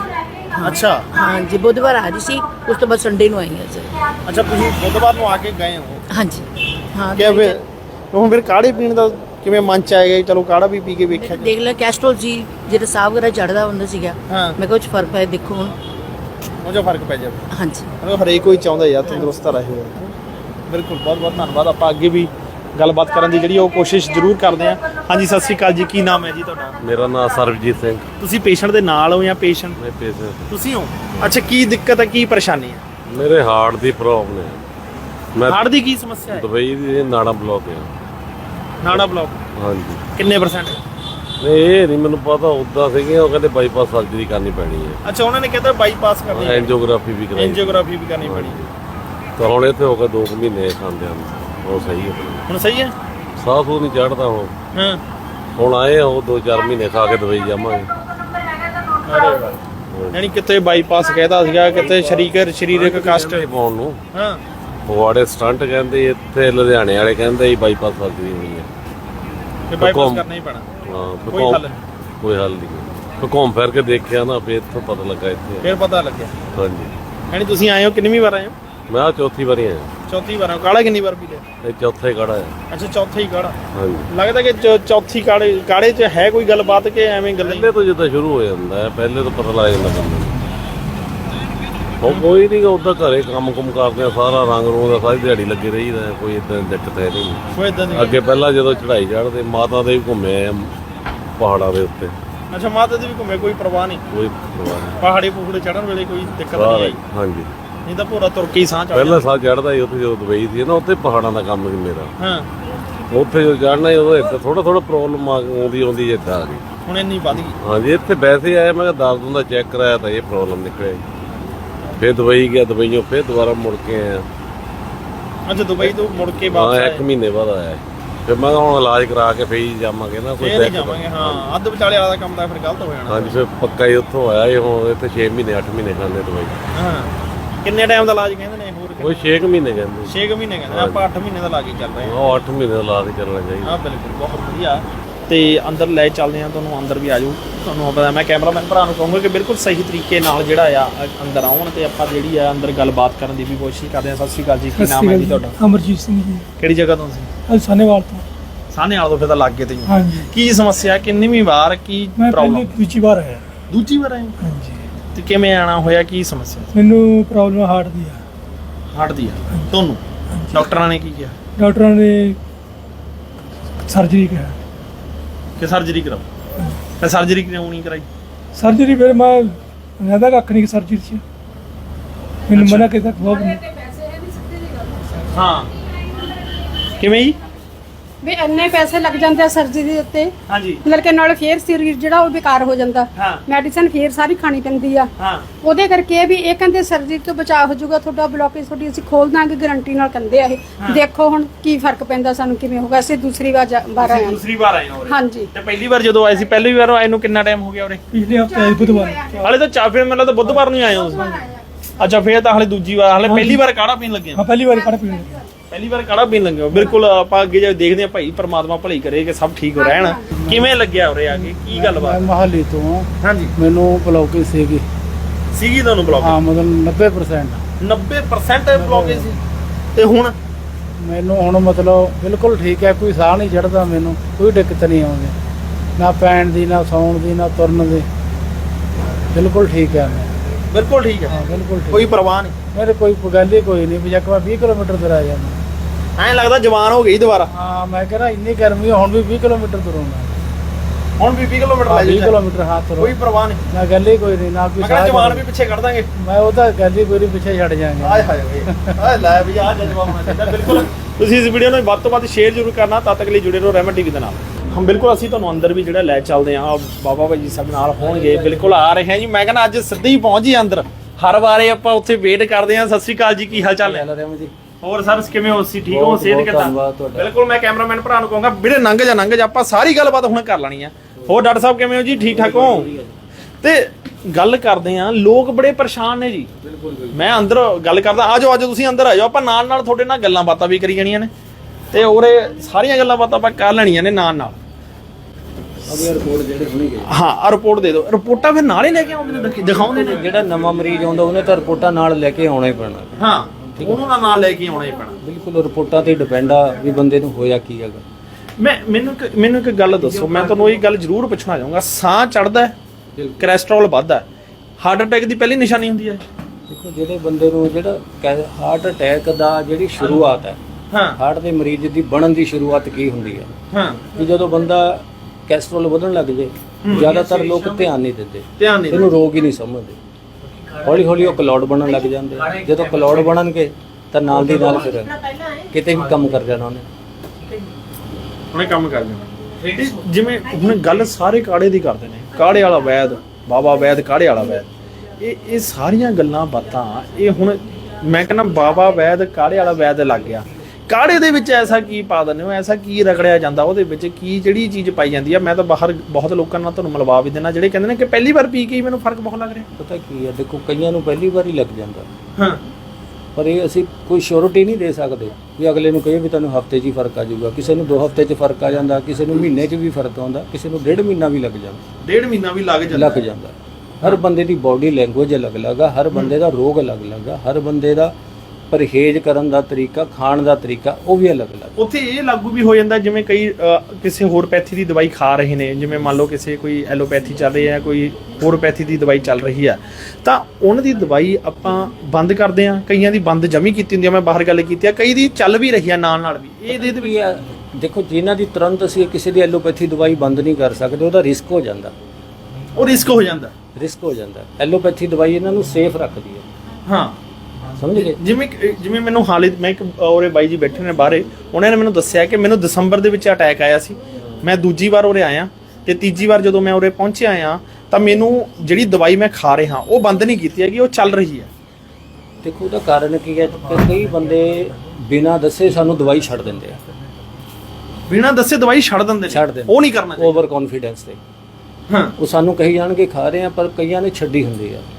ਅੱਛਾ ਹਾਂਜੀ ਬੁੱਧਵਾਰ ਆ ਰਹੀ ਸੀ, ਉਸ ਤੋਂ ਬਾਅਦ ਸੰਡੇ ਨੂੰ ਆਈ ਹਾਂ ਸਰ। ਅੱਛਾ ਤੁਸੀਂ ਬੁੱਧਵਾਰ ਨੂੰ ਆ ਕੇ ਗਏ ਹੋ ਹਾਂਜੀ ਹਾਂ ਕਿ ਫਿਰ ਹੁਣ ਫਿਰ ਕਾੜੇ ਪੀਣ ਦਾ ਕਿਵੇਂ ਮਨ ਚ ਆਏਗਾ? ਚਲੋ ਕਾੜਾ ਵੀ ਪੀ ਕੇ ਵੇਖਿਆ ਦੇਖ ਲਿਆ ਕੈਸਟਰੋਲ ਜੀ ਜਿਹੜਾ ਸਾਹ ਵਗੈਰਾ ਚੜਦਾ ਹੁੰਦਾ ਸੀਗਾ, ਹਾਂ ਮੈਂ ਕਿਹਾ ਉਹ 'ਚ ਫਰਕ ਪਿਆ, ਦੇਖੋ ਹੁਣ। ਉਹ ਜੋ ਫਰਕ ਪੈ ਜਾਵੇ। ਹਾਂਜੀ ਮਤਲਬ ਹਰੇਕ ਕੋਈ ਚਾਹੁੰਦਾ ਯਾਰ ਤੰਦਰੁਸਤ ਰਹੇ। ਬਿਲਕੁਲ ਬਹੁਤ ਬਹੁਤ ਧੰਨਵਾਦ। ਆਪਾਂ ਅੱਗੇ ਵੀ ਗੱਲਬਾਤ ਕਰਨ ਦੀ ਜਿਹੜੀ ਉਹ ਕੋਸ਼ਿਸ਼ ਜ਼ਰੂਰ ਕਰਦੇ ਹਾਂ। ਹਾਂਜੀ ਸਤਿ ਸ਼੍ਰੀ ਅਕਾਲ ਜੀ, ਕੀ ਨਾਮ ਹੈ ਜੀ ਤੁਹਾਡਾ? ਮੇਰਾ ਨਾਮ ਸਰਬਜੀਤ ਸਿੰਘ। ਤੁਸੀਂ ਪੇਸ਼ੈਂਟ ਦੇ ਨਾਲ ਹੋ ਜਾਂ ਪੇਸ਼ੈਂਟ ਮੈਂ ਪੇਸ਼ੈਂਟ ਤੁਸੀਂ ਹੋ? ਅੱਛਾ ਕੀ ਦਿੱਕਤ ਹੈ, ਕੀ ਪਰੇਸ਼ਾਨੀ ਹੈ? ਮੇਰੇ ਹਾਰਟ ਦੀ ਪ੍ਰੋਬਲਮ ਹੈ। ਮੈਂ ਹਾਰਟ ਦੀ ਕੀ ਸਮੱਸਿਆ ਹੈ? ਦੁਬਈ ਦੀ ਨਾੜਾ ਬਲੌਕ ਹੈ। ਨਾੜਾ ਬਲੌਕ ਹਾਂਜੀ ਕਿੰਨੇ ਪਰਸੈਂਟ? ਨਹੀਂ ਇਹ ਨਹੀਂ ਮੈਨੂੰ ਪਤਾ, ਉੱਦਾਂ ਸੀਗੇ ਉਹ ਕਹਿੰਦੇ ਬਾਈਪਾਸ ਸਰਜਰੀ ਕਰਨੀ ਪੈਣੀ ਹੈ। ਅੱਛਾ ਉਹਨਾਂ ਨੇ ਕਹਿੰਦਾ ਬਾਈਪਾਸ ਕਰਨੀ ਹੈ, ਐਂਜੀਓਗ੍ਰਾਫੀ ਵੀ ਕਰਾਈ, ਐਂਜੀਓਗ੍ਰਾਫੀ ਵੀ ਕਰਨੀ ਪੈਣੀ ਹੈ। ਤਾਂ ਹੁਣ ਇੱਥੇ ਹੋ ਕੇ ਦੋ ਕੁ ਮਹੀਨੇ ਖਾਂਦੇ ਹਨ, ਉਹ ਸਹੀ ਹੈ। ਹੁਣ ਸਹੀ ਹੈ? ਸਾਹ ਸੂਹ ਨਹੀਂ ਚੜਦਾ ਹੁਣ। ਹਾਂ ਹੁਣ ਆਏ ਆ ਉਹ ਦੋ ਚਾਰ ਮਹੀਨੇ ਖਾ ਕੇ ਦਵਾਈ ਜਾਵਾਂਗੇ। ਅਰੇ ਵਾਹ, ਯਾਨੀ ਕਿਤੇ ਬਾਈਪਾਸ ਕਹਿਦਾ ਸੀਗਾ, ਕਿਤੇ ਸਰੀਰਕ ਸਰੀਰਕ ਕਸ਼ਟ ਪਾਉਣ ਨੂੰ ਹਾਂ ਫਗਵਾੜੇ ਸਟੰਟ ਕਹਿੰਦੇ, ਇੱਥੇ ਲੁਧਿਆਣੇ ਵਾਲੇ ਕਹਿੰਦੇ ਹੀ ਬਾਈਪਾਸ ਸਰਜਰੀ ਹੋਣੀ ਹੈ। ਤੇ ਬਾਈਪਾਸ ਕਰਨਾ ਹੀ ਪੈਣਾ। ਹਾਂ ਕੋਈ ਹੱਲ ਕੋਈ ਹੱਲ ਨਹੀਂ। ਫਿਰ ਘੁੰਮ ਫਿਰ ਕੇ ਦੇਖਿਆ ਨਾ, ਫਿਰ ਇੱਥੋਂ ਪਤਾ ਲੱਗਾ ਇੱਥੇ। ਫਿਰ ਪਤਾ ਲੱਗਿਆ। ਹਾਂਜੀ ਯਾਨੀ ਤੁਸੀਂ ਆਏ ਹੋ ਕਿੰਨੀ ਵਾਰ ਆਏ ਹੋ? ਮੈਂ ਆਹ ਚੌਥੀ ਵਾਰੀ ਆਇਆ। ਚੌਥੀ ਵਾਰ ਆਏ ਹੋ। ਕਾੜਾ ਕਿੰਨੀ ਵਾਰ ਪੀ ਲਿਆ? ਇਹ ਚੌਥਾ ਹੀ ਕਾੜਾ ਹੈ। ਅੱਛਾ ਚੌਥਾ ਹੀ ਕਾੜਾ। ਹਾਂਜੀ ਲੱਗਦਾ ਕਿ ਚੌ- ਚੌਥੀ ਕਾੜੇ ਕਾੜੇ 'ਚ ਹੈ ਕੋਈ ਗੱਲਬਾਤ ਕਿ ਐਵੇਂ ਗੱਲਾਂ ਹੀ? ਪਹਿਲੇ ਤੋਂ ਜਿੱਦਾਂ ਸ਼ੁਰੂ ਹੋ ਜਾਂਦਾ ਹੈ, ਪਹਿਲੇ ਤੋਂ ਪਤਾ ਲੱਗ ਜਾਂਦਾ ਬੰਦੇ ਨੂੰ। ਉਹ ਕੋਈ ਨਹੀਂ ਉੱਦਾਂ ਘਰੇ ਕੰਮ ਕੁਮ ਕਰਦੇ ਆ, ਸਾਰਾ ਰੰਗ ਰੂੰਗ ਦਾ ਸਾਰੀ ਦਿਹਾੜੀ ਲੱਗੇ ਰਹੀਦਾ, ਕੋਈ ਇਦਾਂ ਦਿੱਕਤ ਹੈ ਨਹੀਂ। ਕੋਈ ਇਦਾਂ ਦੀ ਅੱਗੇ ਪਹਿਲਾਂ ਜਦੋਂ ਚੜਾਈ ਚੜ੍ਹਦੇ ਮਾਤਾ ਦੇ ਵੀ ਘੁੰਮੇ ਆ ਪਹਾੜਾਂ ਦੇ ਉੱਤੇ, ਅੱਛਾ ਮਾਤਾ ਦੀ ਵੀ ਘੁੰਮੇ, ਕੋਈ ਪਰਵਾਹ ਨਹੀਂ? ਕੋਈ ਪਰਵਾਹ ਨਹੀਂ। ਪਹਾੜੀ ਪੂੜੇ ਚੜਨ ਵੇਲੇ ਕੋਈ ਦਿੱਕਤ ਨਹੀਂ ਸਾਰਾ ਆਈ? ਹੀ, ਹਾਂਜੀ ਨਹੀਂ ਤਾਂ ਪੂਰਾ ਤੁਰ ਕੇ ਹੀ ਸਾਹ ਚੜ੍ਹ ਪਹਿਲਾਂ ਸਾਹ ਚੜ੍ਹਦਾ ਸੀ ਉੱਥੇ ਜਦੋਂ ਦੁਬਈ ਸੀ ਨਾ, ਉੱਥੇ ਪਹਾੜਾਂ ਦਾ ਕੰਮ ਸੀ ਮੇਰਾ। ਹਾਂ ਉੱਥੇ ਜਦੋਂ ਚੜ੍ਹਨਾ ਸੀ ਉਦੋਂ ਇੱਥੇ ਥੋੜਾ ਥੋੜਾ ਪ੍ਰੋਬਲਮ ਆਉਂਦੀ ਆਉਂਦੀ ਇੱਦਾਂ ਆ ਗਈ। ਹੁਣ ਇੰਨੀ ਵੱਧ ਗਈ? ਹਾਂਜੀ ਇੱਥੇ ਵੈਸੇ ਆਇਆ, ਮੈਂ ਕਿਹਾ ਦਰਦ ਹੁੰਦਾ ਚੈੱਕ ਕਰਾਇਆ ਤਾਂ ਇਹ ਪ੍ਰੋਬਲਮ ਨਿਕਲਿਆ ਜੀ। ਫਿਰ ਦੁਬਈ ਗਿਆ, ਦੁਬਈੋਂ ਫਿਰ ਦੁਬਾਰਾ ਮੁੜ ਕੇ ਆਇਆ। ਅੱਛਾ ਦੁਬਈ ਤੋਂ ਮੁੜ ਕੇ ਹਾਂ ਵਾਪਸ ਆਏ? ਇੱਕ ਮਹੀਨੇ ਬਾਅਦ ਆਇਆ। ਫਿਰ ਮੈਂ ਕਿਹਾ ਹੁਣ ਇਲਾਜ ਕਰਾ ਕੇ ਫਿਰ ਹੀ ਜਾਵਾਂਗੇ ਨਾ, ਕੋਈ ਫੇਰ ਹੀ ਦਿੱਕਤ ਜਾਵਾਂਗੇ। ਹਾਂ ਅੱਧ ਵਿਚਾਲੇ ਵਾਲਾ ਕੰਮ ਤਾਂ ਫਿਰ ਗਲਤ ਹੋ ਜਾਣਾ। ਹਾਂਜੀ ਫਿਰ ਪੱਕਾ ਹੀ ਉੱਥੋਂ ਆਇਆ ਜੀ। ਹੁਣ ਇੱਥੇ ਛੇ ਮਹੀਨੇ ਅੱਠ ਮਹੀਨੇ ਖਾਂਦੇ ਦੁਬਈ। ਹਾਂ ਕਿੰਨੇ ਟਾਈਮ ਦਾ ਇਲਾਜ ਕਹਿੰਦੇ ਨੇ? ਹੋਰ ਉਹ ਛੇ ਕੁ ਮਹੀਨੇ ਕਹਿੰਦੇ। ਛੇ ਕੁ ਮਹੀਨੇ ਕਹਿੰਦੇ, ਆਪਾਂ ਅੱਠ ਮਹੀਨੇ ਦਾ ਲਾ ਕੇ ਚੱਲ ਰਹੇ ਹਾਂ। ਉਹ ਅੱਠ ਮਹੀਨੇ ਦਾ ਇਲਾਜ ਹੀ ਚੱਲਣਾ ਚਾਹੀਦਾ। ਹਾਂ ਬਿਲਕੁਲ ਬਹੁਤ ਵਧੀਆ। ਤੇ ਅੰਦਰ ਲੈ ਚੱਲਦੇ ਆ ਤੁਹਾਨੂੰ, ਅੰਦਰ ਵੀ ਆ ਜਾਓ। ਤੁਹਾਨੂੰ ਪਤਾ ਮੈਂ ਕੈਮਰਾਮੈਨ ਭਰਾ ਨੂੰ ਕਹੂੰਗਾ ਕਿ ਬਿਲਕੁਲ ਸਹੀ ਤਰੀਕੇ ਨਾਲ ਜਿਹੜਾ ਆ ਅੰਦਰ ਆਉਣ ਤੇ ਆਪਾਂ ਜਿਹੜੀ ਆ ਅੰਦਰ ਗੱਲਬਾਤ ਕਰਨ ਦੀ ਵੀ ਕੋਸ਼ਿਸ਼ ਕਰਦੇ ਆ। ਸਤਿ ਸ਼੍ਰੀ ਅਕਾਲ ਜੀ, ਕੀ ਨਾਮ ਹੈ ਜੀ ਤੁਹਾਡਾ? ਅਮਰਜੀਤ ਸਿੰਘ ਜੀ, ਕਿਹੜੀ ਜਗ੍ਹਾ ਤੋਂ ਸੀ? ਅੱਜ ਸਾਨੇਵਾਲ ਤੋਂ। ਸਾਹਨੇਵਾਲ ਤੋਂ? ਫਿਰ ਤਾਂ ਲੱਗ ਗਏ ਤੇ ਹਾਂਜੀ। ਕੀ ਸਮੱਸਿਆ? ਕਿੰਨੀਵੀਂ ਵਾਰ? ਕੀ ਪ੍ਰੋਬਲਮ? ਦੂਜੀ ਵਾਰ ਆਇਆ। ਦੂਜੀ ਵਾਰ ਆਏ? ਹਾਂਜੀ। ਤੇ ਕਿਵੇਂ ਆਣਾ ਹੋਇਆ? ਕੀ ਸਮੱਸਿਆ? ਮੈਨੂੰ ਪ੍ਰੋਬਲਮ ਹਾਰਟ ਦੀ ਆ। ਹਾਰਟ ਦੀ ਆ ਤੁਹਾਨੂੰ? ਡਾਕਟਰਾਂ ਨੇ ਕੀ ਕਿਹਾ? ਡਾਕਟਰਾਂ ਨੇ ਸਰਜਰੀ ਕਿਹਾ ਕਿ ਸਰਜਰੀ ਕਰਾਓ। ਤੇ ਸਰਜਰੀ ਕਿਉਂ ਨਹੀਂ ਕਰਾਈ? ਸਰਜਰੀ ਫਿਰ ਮੈਂ ਕਹਿੰਦਾ ਕੱਖ ਨਹੀਂ ਸਰਜਰੀ ਚ, ਮੈਨੂੰ ਮਨਾ ਕੀਤਾ ਬਹੁਤ। ਹਾਂ ਕਿਵੇਂ ਜੀ? ਵੀ ਇੰਨੇ ਪੈਸੇ ਲੱਗ ਜਾਂਦੇ ਆ ਸਰਜਰੀ ਦੇ ਉੱਤੇ, ਹਾਂਜੀ ਮਤਲਬ ਕਿ ਨਾਲ ਫੇਰ ਸਰੀਰ ਜਿਹੜਾ ਉਹ ਬੇਕਾਰ ਹੋ ਜਾਂਦਾ। ਹਾਂ ਮੈਡੀਸਨ ਫੇਰ ਸਾਰੀ ਖਾਣੀ ਪੈਂਦੀ ਆ। ਹਾਂ ਉਹਦੇ ਕਰਕੇ ਵੀ ਇਹ ਕਹਿੰਦੇ ਸਰਜਰੀ ਤੋਂ ਬਚਾਅ ਹੋ ਜਾਊਗਾ, ਤੁਹਾਡਾ ਬਲੋਕੇਜ ਤੁਹਾਡੀ ਅਸੀਂ ਖੋਲ ਦਾਂਗੇ ਗਾਰੰਟੀ ਨਾਲ ਕਹਿੰਦੇ ਆ ਇਹ। ਦੇਖੋ ਹੁਣ ਕੀ ਫਰਕ ਪੈਂਦਾ ਸਾਨੂੰ, ਕਿਵੇਂ ਹੋਗਾ। ਅਸੀਂ ਦੂਸਰੀ ਵਾਰ ਜਾ- ਵਾਰ ਆਏ ਹਾਂ। ਦੂਸਰੀ ਵਾਰ ਆਏ ਹੋ? ਹਾਂਜੀ। ਤੇ ਪਹਿਲੀ ਵਾਰ ਜਦੋਂ ਆਏ ਸੀ, ਪਹਿਲੀ ਵਾਰ ਆਏ ਨੂੰ ਕਿੰਨਾ ਟਾਈਮ ਹੋ ਗਿਆ ਉਰੇ? ਪਿਛਲੇ ਹਫਤੇ ਆਏ ਬੁੱਧਵਾਰ। ਹਾਲੇ ਤਾਂ ਚਾ ਫਿਰ ਮੈਨੂੰ ਲੱਗਦਾ ਬੁੱਧਵਾਰ ਨੂੰ ਹੀ ਆਏ ਹੋ ਤੁਸੀਂ। ਅੱਛਾ ਫਿਰ ਤਾਂ ਹਾਲੇ ਦੂਜੀ ਵਾਰ, ਹਾਲੇ ਪਹਿਲੀ ਵਾਰ ਕਾੜਾ ਪੀਣ ਲੱਗੇ? ਹਾਂ ਪਹਿਲੀ ਵਾਰ ਕਾੜਾ ਪੀਣ ਲੱਗੇ। ਪਹਿਲੀ ਵਾਰ ਕਾੜਾ ਪੀਣ ਲੱਗੇ ਹੋ? ਬਿਲਕੁਲ ਆਪਾਂ ਅੱਗੇ ਜਾ ਦੇਖਦੇ ਆ ਭਾਈ, ਪਰਮਾਤਮਾ ਭਲੀ ਕਰੇ ਕਿ ਸਭ ਠੀਕ ਹੋ ਰਹਿਣ। ਕਿਵੇਂ ਲੱਗਿਆ ਉਰੇ ਆ ਕੇ? ਕੀ ਗੱਲਬਾਤ? ਮੈਂ ਮਹਾਲੀ ਤੋਂ ਹਾਂ। ਹਾਂਜੀ ਮੈਨੂੰ ਬਲੌਕੇਜ ਸੀਗੀ। ਸੀਗੀ ਤੁਹਾਨੂੰ ਬਲੌਕ? ਹਾਂ ਮਤਲਬ ਨੱਬੇ ਪਰਸੈਂਟ। ਨੱਬੇ ਪਰਸੈਂਟ ਬਲੌਕੇਜ ਸੀ। ਤੇ ਹੁਣ? ਮੈਨੂੰ ਹੁਣ ਮਤਲਬ ਬਿਲਕੁਲ ਠੀਕ ਹੈ, ਕੋਈ ਸਾਹ ਨਹੀਂ ਚੜਦਾ, ਮੈਨੂੰ ਕੋਈ ਦਿੱਕਤ ਨਹੀਂ ਆਉਂਦੀ, ਨਾ ਪੈਣ ਦੀ, ਨਾ ਸੌਣ ਦੀ, ਨਾ ਤੁਰਨ ਦੀ। ਬਿਲਕੁਲ ਠੀਕ ਹੈ ਮੈਂ। ਬਿਲਕੁਲ ਠੀਕ ਹੈ? ਹਾਂ ਬਿਲਕੁਲ ਠੀਕ। ਕੋਈ ਪਰਵਾਹ ਨਹੀਂ? ਮੇਰੇ ਕੋਈ ਗੱਲ ਹੀ ਕੋਈ ਨਹੀਂ। ਬੇਸ਼ੱਕ ਮੈਂ ਵੀਹ ਕਿਲੋਮੀਟਰ ਤੁਰ ਆ ਜਾਂਦਾ। ਐਂ ਲੱਗਦਾ ਜਵਾਨ ਹੋ ਗਈ ਦੁਬਾਰਾ। ਹਾਂ ਮੈਂ ਕਹਿੰਦਾ ਇੰਨੀ ਗਰਮੀ ਆ, ਹੁਣ ਵੀ ਵੀਹ ਕਿਲੋਮੀਟਰ ਤੁਰੂੰਗਾ। ਹੁਣ ਵੀ ਵੀਹ ਕਿਲੋਮੀਟਰ ਲੈ ਵੀਹ ਜਾਓ? ਕਿਲੋਮੀਟਰ ਹਾਂ ਤੁਰੋ। ਕੋਈ ਪਰਵਾਹ ਨਹੀਂ? ਨਾ ਗੱਲ ਹੀ ਕੋਈ ਨਹੀਂ, ਨਾ ਕੋਈ ਮੈਂ ਕਹਿੰਦਾ ਸਾਹ ਜਵਾਨ ਵੀ ਪਿੱਛੇ ਕੱਢ ਦਾਂਗੇ। ਮੈਂ ਉਹ ਤਾਂ ਗੱਲ ਹੀ ਕੋਈ ਨਹੀਂ, ਪਿੱਛੇ ਛੱਡ ਜਾਾਂਗੇ। ਆਏ ਹਾਏ ਓਏ ਆਏ ਲੈ ਵੀ ਆ ਜਜ਼ਬਾ ਹੋਣਾ ਚਾਹੀਦਾ। ਬਿਲਕੁਲ ਤੁਸੀਂ ਇਸ ਵੀਡੀਓ ਨੂੰ ਵੱਧ ਤੋਂ ਵੱਧ ਸ਼ੇਅਰ ਜ਼ਰੂਰ ਕਰਨਾ। ਤਦ ਤੱਕ ਲਈ ਜੁੜੇ ਰਹੋ ਰਹਿਮਤ ਟੀਵੀ ਦੇ ਨਾਲ। ਹਮ ਬਿਲਕੁਲ ਅਸੀਂ ਤੁਹਾਨੂੰ ਅੰਦਰ ਵੀ ਜਿਹੜਾ ਲੈ ਚੱਲਦੇ ਹਾਂ। ਬਾਬਾ ਭਾਈ ਜੀ ਸਾਡੇ ਨਾਲ ਹੋਣਗੇ, ਬਿਲਕੁਲ ਆ ਰਹੇ ਹਾਂ ਜੀ। ਮੈਂ ਕਹਿੰਦਾ ਅੱਜ ਸਿੱਧੇ ਹੀ ਪਹੁੰਚ ਜੀ ਅੰਦਰ। ਹਰ ਵਾਰੇ ਆਪਾਂ ਉੱਥੇ ਵੇਟ ਕਰਦੇ ਹਾਂ। ਸਤਿ ਸ਼੍ਰੀ ਅਕਾਲ ਜੀ, ਕੀ ਹਾਲ ਚਾਲ ਹੈ? ਹੋਰ ਸਰ ਕਿਵੇਂ ਹੋ? ਤੁਸੀਂ ਠੀਕ ਹੋ? ਸਿਹਤ ਕਿੱਦਾਂ? ਬਿਲਕੁਲ ਮੈਂ ਕੈਮਰਾਮੈਨ ਭਰਾ ਨੂੰ ਕਹੂੰਗਾ ਵੀਰੇ ਲੰਘ ਜਾ ਲੰਘ ਜਾ, ਆਪਾਂ ਸਾਰੀ ਗੱਲਬਾਤ ਹੁਣ ਕਰ ਲੈਣੀ ਆ। ਹੋਰ ਡਾਕਟਰ ਸਾਹਿਬ ਕਿਵੇਂ ਹੋ ਜੀ? ਠੀਕ ਠਾਕ ਹੋ? ਤੇ ਗੱਲ ਕਰਦੇ ਆ, ਲੋਕ ਬੜੇ ਪਰੇਸ਼ਾਨ ਨੇ ਜੀ। ਮੈਂ ਅੰਦਰ ਗੱਲ ਕਰਦਾ, ਆ ਜਾਓ ਆ ਜਾਓ ਤੁਸੀਂ ਅੰਦਰ ਆ ਜਾਓ। ਆਪਾਂ ਨਾਲ ਨਾਲ ਤੁਹਾਡੇ ਨਾਲ ਗੱਲਾਂ ਬਾਤਾਂ ਵੀ ਕਰੀ ਜਾਣੀਆਂ ਨੇ ਤੇ ਉਰੇ ਸਾਰੀਆਂ ਗੱਲਾਂ ਬਾਤਾਂ ਆਪਾਂ ਕਰ ਲੈਣੀਆਂ ਨੇ ਨਾਲ ਨਾਲ। ਅਗਰ ਰਿਪੋਰਟ ਜਿਹੜੇ ਹੁਣੇ ਗਏ ਹਾਂ ਆ ਰਿਪੋਰਟ ਦੇ ਦਿਓ, ਰਿਪੋਰਟਾਂ ਫਿਰ ਨਾਲ ਹੀ ਲੈ ਕੇ ਆਉਂਦੇ ਨੇ, ਦਿਖ- ਦਿਖਾਉਂਦੇ ਨੇ। ਜਿਹੜਾ ਨਵਾਂ ਮਰੀਜ਼ ਆਉਂਦਾ ਉਹਨੇ ਤਾਂ ਰਿਪੋਰਟਾਂ ਨਾਲ ਲੈ ਕੇ ਆਉਣਾ ਹੀ ਪੈਣਾ। ਹਾਂ ਉਹਨੂੰ ਨਾ ਨਾਲ ਲੈ ਕੇ ਆਉਣਾ ਹੀ ਪੈਣਾ। ਬਿਲਕੁਲ ਰਿਪੋਰਟਾਂ ਤੇ ਡਿਪੈਂਡ ਆ ਵੀ ਬੰਦੇ ਨੂੰ ਹੋਇਆ ਕੀ ਹੈਗਾ। ਮੈਂ ਮੈਨੂੰ ਇੱਕ ਮੈਨੂੰ ਇੱਕ ਗੱਲ ਦੱਸੋ, ਮੈਂ ਤੁਹਾਨੂੰ ਇਹ ਗੱਲ ਜ਼ਰੂਰ ਪੁੱਛਣਾ ਚਾਹੂੰਗਾ, ਸਾਹ ਚੜਦਾ ਹੈ, ਕੋਲੇਸਟ੍ਰੋਲ ਵੱਧਦਾ ਹੈ, ਹਾਰਟ ਅਟੈਕ ਦੀ ਪਹਿਲੀ ਨਿਸ਼ਾਨੀ ਹੁੰਦੀ ਹੈ? ਦੇਖੋ ਜਿਹੜੇ ਬੰਦੇ ਨੂੰ ਜਿਹੜਾ ਹਾਰਟ ਅਟੈਕ ਦਾ ਜਿਹੜੀ ਸ਼ੁਰੂਆਤ ਹੈ, ਹਾਂ ਹਾਰਟ ਦੇ ਮਰੀਜ਼ ਦੀ ਬਣਨ ਦੀ ਸ਼ੁਰੂਆਤ ਕੀ ਹੁੰਦੀ ਹੈ ਹਾਂ ਕਿ ਜਦੋਂ ਬੰਦਾ ਕੋਲੇਸਟ੍ਰੋਲ ਵਧਣ ਲੱਗ ਜੇ, ਜ਼ਿਆਦਾਤਰ ਲੋਕ ਧਿਆਨ ਨਹੀਂ ਦਿੰਦੇ, ਧਿਆਨ ਨਹੀਂ ਇਹਨੂੰ ਰੋਗ ਹੀ ਨਹੀਂ ਸਮਝਦੇ। ਹੌਲੀ ਹੌਲੀ ਉਹ ਕਲੌੜ ਬਣਨ ਲੱਗ ਜਾਂਦੇ, ਜਦੋਂ ਕਲੌੜ ਬਣਨਗੇ ਤਾਂ ਨਾਲ ਦੀ ਨਾਲ ਫਿਰ ਕਿਤੇ ਵੀ ਕੰਮ ਕਰ ਜਾਣਾ ਉਹਨੇ ਉਹਨੇ ਕੰਮ ਕਰ ਜਾਣਾ। ਜਿਵੇਂ ਹੁਣ ਗੱਲ ਸਾਰੇ ਕਾੜੇ ਦੀ ਕਰਦੇ ਨੇ, ਕਾੜੇ ਵਾਲਾ ਵੈਦ, ਬਾਬਾ ਵੈਦ, ਕਾੜੇ ਵਾਲਾ ਵੈਦ, ਇਹ ਇਹ ਸਾਰੀਆਂ ਗੱਲਾਂ ਬਾਤਾਂ ਇਹ ਹੁਣ ਮੈਂ ਕਹਿੰਦਾ ਬਾਬਾ ਵੈਦ ਕਾੜੇ ਵਾਲਾ ਵੈਦ ਲੱਗ ਗਿਆ। ਕਾੜੇ ਦੇ ਵਿੱਚ ਐਸਾ ਕੀ ਪਾ ਦਿੰਦੇ ਹੋ, ਐਸਾ ਕੀ ਰਗੜਿਆ ਜਾਂਦਾ ਉਹਦੇ ਵਿੱਚ, ਕੀ ਜਿਹੜੀ ਚੀਜ਼ ਪਾਈ ਜਾਂਦੀ ਆ? ਮੈਂ ਤਾਂ ਬਾਹਰ ਬਹੁਤ ਲੋਕਾਂ ਨਾਲ ਤੁਹਾਨੂੰ ਮਿਲਵਾ ਵੀ ਦੇਣਾ ਜਿਹੜੇ ਕਹਿੰਦੇ ਨੇ ਕਿ ਪਹਿਲੀ ਵਾਰ ਪੀ ਕੇ ਹੀ ਮੈਨੂੰ ਫਰਕ ਬਹੁਤ ਲੱਗ ਰਿਹਾ। ਪਤਾ ਕੀ ਹੈ, ਦੇਖੋ ਕਈਆਂ ਨੂੰ ਪਹਿਲੀ ਵਾਰ ਹੀ ਲੱਗ ਜਾਂਦਾ, ਹਾਂ ਪਰ ਇਹ ਅਸੀਂ ਕੋਈ ਸ਼ੋਰਿਟੀ ਨਹੀਂ ਦੇ ਸਕਦੇ ਵੀ ਅਗਲੇ ਨੂੰ ਕਹੀਏ ਵੀ ਤੁਹਾਨੂੰ ਹਫਤੇ 'ਚ ਹੀ ਫਰਕ ਆ ਜਾਊਗਾ। ਕਿਸੇ ਨੂੰ ਦੋ ਹਫਤੇ 'ਚ ਫਰਕ ਆ ਜਾਂਦਾ, ਕਿਸੇ ਨੂੰ ਮਹੀਨੇ 'ਚ ਵੀ ਫਰਕ ਆਉਂਦਾ, ਕਿਸੇ ਨੂੰ ਡੇਢ ਮਹੀਨਾ ਵੀ ਲੱਗ ਜਾਂਦਾ ਡੇਢ ਮਹੀਨਾ ਵੀ ਲੱਗ ਜਾਂਦਾ ਲੱਗ ਜਾਂਦਾ ਹਰ ਬੰਦੇ ਦੀ ਬਾਡੀ ਲੈਂਗੁਏਜ ਅਲੱਗ-ਅਲੱਗ ਆ, ਹਰ ਬੰਦੇ ਦਾ ਰੋਗ ਅਲੱਗ-ਅਲੱਗ ਆ, ਹਰ ਬੰਦੇ ਦਾ ਪਰਹੇਜ਼ ਕਰਨ ਦਾ ਤਰੀਕਾ, ਖਾਣ ਦਾ ਤਰੀਕਾ ਉਹ ਵੀ ਅਲੱਗ-ਅਲੱਗ। ਉੱਥੇ ਇਹ ਲਾਗੂ ਵੀ ਹੋ ਜਾਂਦਾ ਜਿਵੇਂ ਕਈ ਅ, ਕਿਸੇ ਹੋਰ ਪੈਥੀ ਦੀ ਦਵਾਈ ਖਾ ਰਹੇ ਨੇ, ਜਿਵੇਂ ਮੰਨ ਲਓ ਕਿਸੇ ਕੋਈ ਐਲੋਪੈਥੀ ਚੱਲ ਰਹੀ ਹੈ, ਕੋਈ ਹੋਰ ਪੈਥੀ ਦੀ ਦਵਾਈ ਚੱਲ ਰਹੀ ਆ, ਤਾਂ ਉਹਨਾਂ ਦੀ ਦਵਾਈ ਆਪਾਂ ਬੰਦ ਕਰਦੇ ਆ, ਕਈਆਂ ਦੀ ਬੰਦ ਜਮੀ ਕੀਤੀ ਹੁੰਦੀ ਆ, ਮੈਂ ਬਾਹਰ ਗੱਲ ਕੀਤੀ ਆ, ਕਈ ਦੀ ਚੱਲ ਵੀ ਰਹੀ ਆ ਨਾਲ ਨਾਲ ਵੀ। ਇਹਦੇ ਵੀ ਆ ਦੇਖੋ ਜਿਨ੍ਹਾਂ ਦੀ ਤੁਰੰਤ ਅਸੀਂ ਕਿਸੇ ਦੀ ਐਲੋਪੈਥੀ ਦਵਾਈ ਬੰਦ ਨਹੀਂ ਕਰ ਸਕਦੇ, ਉਹਦਾ ਰਿਸਕ ਹੋ ਜਾਂਦਾ, ਉਹ ਰਿਸਕ ਹੋ ਜਾਂਦਾ ਰਿਸਕ ਹੋ ਜਾਂਦਾ। ਐਲੋਪੈਥੀ ਦਵਾਈ ਇਹਨਾਂ ਨੂੰ ਸੇਫ ਰੱਖਦੀ ਹੈ। ਹਾਂ ਸਮਝ ਗਏ? ਜਿਵੇਂ ਜਿਵੇਂ ਮੈਨੂੰ ਹਾਲੇ ਮੈਂ ਇੱਕ ਔਰੇ ਬਾਈ ਜੀ ਬੈਠੇ ਨੇ ਬਾਹਰੇ, ਉਹਨਾਂ ਨੇ ਮੈਨੂੰ ਦੱਸਿਆ ਕਿ ਮੈਨੂੰ ਦਸੰਬਰ ਦੇ ਵਿੱਚ ਅਟੈਕ ਆਇਆ ਸੀ, ਮੈਂ ਦੂਜੀ ਵਾਰ ਉਰੇ ਆਇਆ ਤੇ ਤੀਜੀ ਵਾਰ ਜਦੋਂ ਮੈਂ ਉਰੇ ਪਹੁੰਚਿਆ ਆ ਤਾਂ ਮੈਨੂੰ ਜਿਹੜੀ ਦਵਾਈ ਮੈਂ ਖਾ ਰਿਹਾ ਉਹ ਬੰਦ ਨਹੀਂ ਕੀਤੀ ਹੈਗੀ, ਉਹ ਚੱਲ ਰਹੀ ਹੈ। ਦੇਖੋ ਉਹਦਾ ਕਾਰਨ ਕੀ ਹੈ ਕਿ ਕਈ ਬੰਦੇ ਬਿਨਾਂ ਦੱਸੇ ਸਾਨੂੰ ਦਵਾਈ ਛੱਡ ਦਿੰਦੇ ਆ, ਬਿਨਾਂ ਦੱਸੇ ਦਵਾਈ ਛੱਡ ਦਿੰਦੇ ਨੇ, ਛੱਡ ਦਿੰਦੇ ਉਹ ਨਹੀਂ ਕਰਨਾ ਚਾਹੀਦਾ। ਓਵਰ ਕੌਨਫੀਡੈਂਸ ਤੇ ਹਾਂ ਉਹ ਸਾਨੂੰ ਕਹੀ ਜਾਣਗੇ ਖਾ ਰਹੇ ਆ, ਪਰ ਕਈਆਂ ਨੇ ਛੱਡੀ ਹੁੰਦੀ ਆ,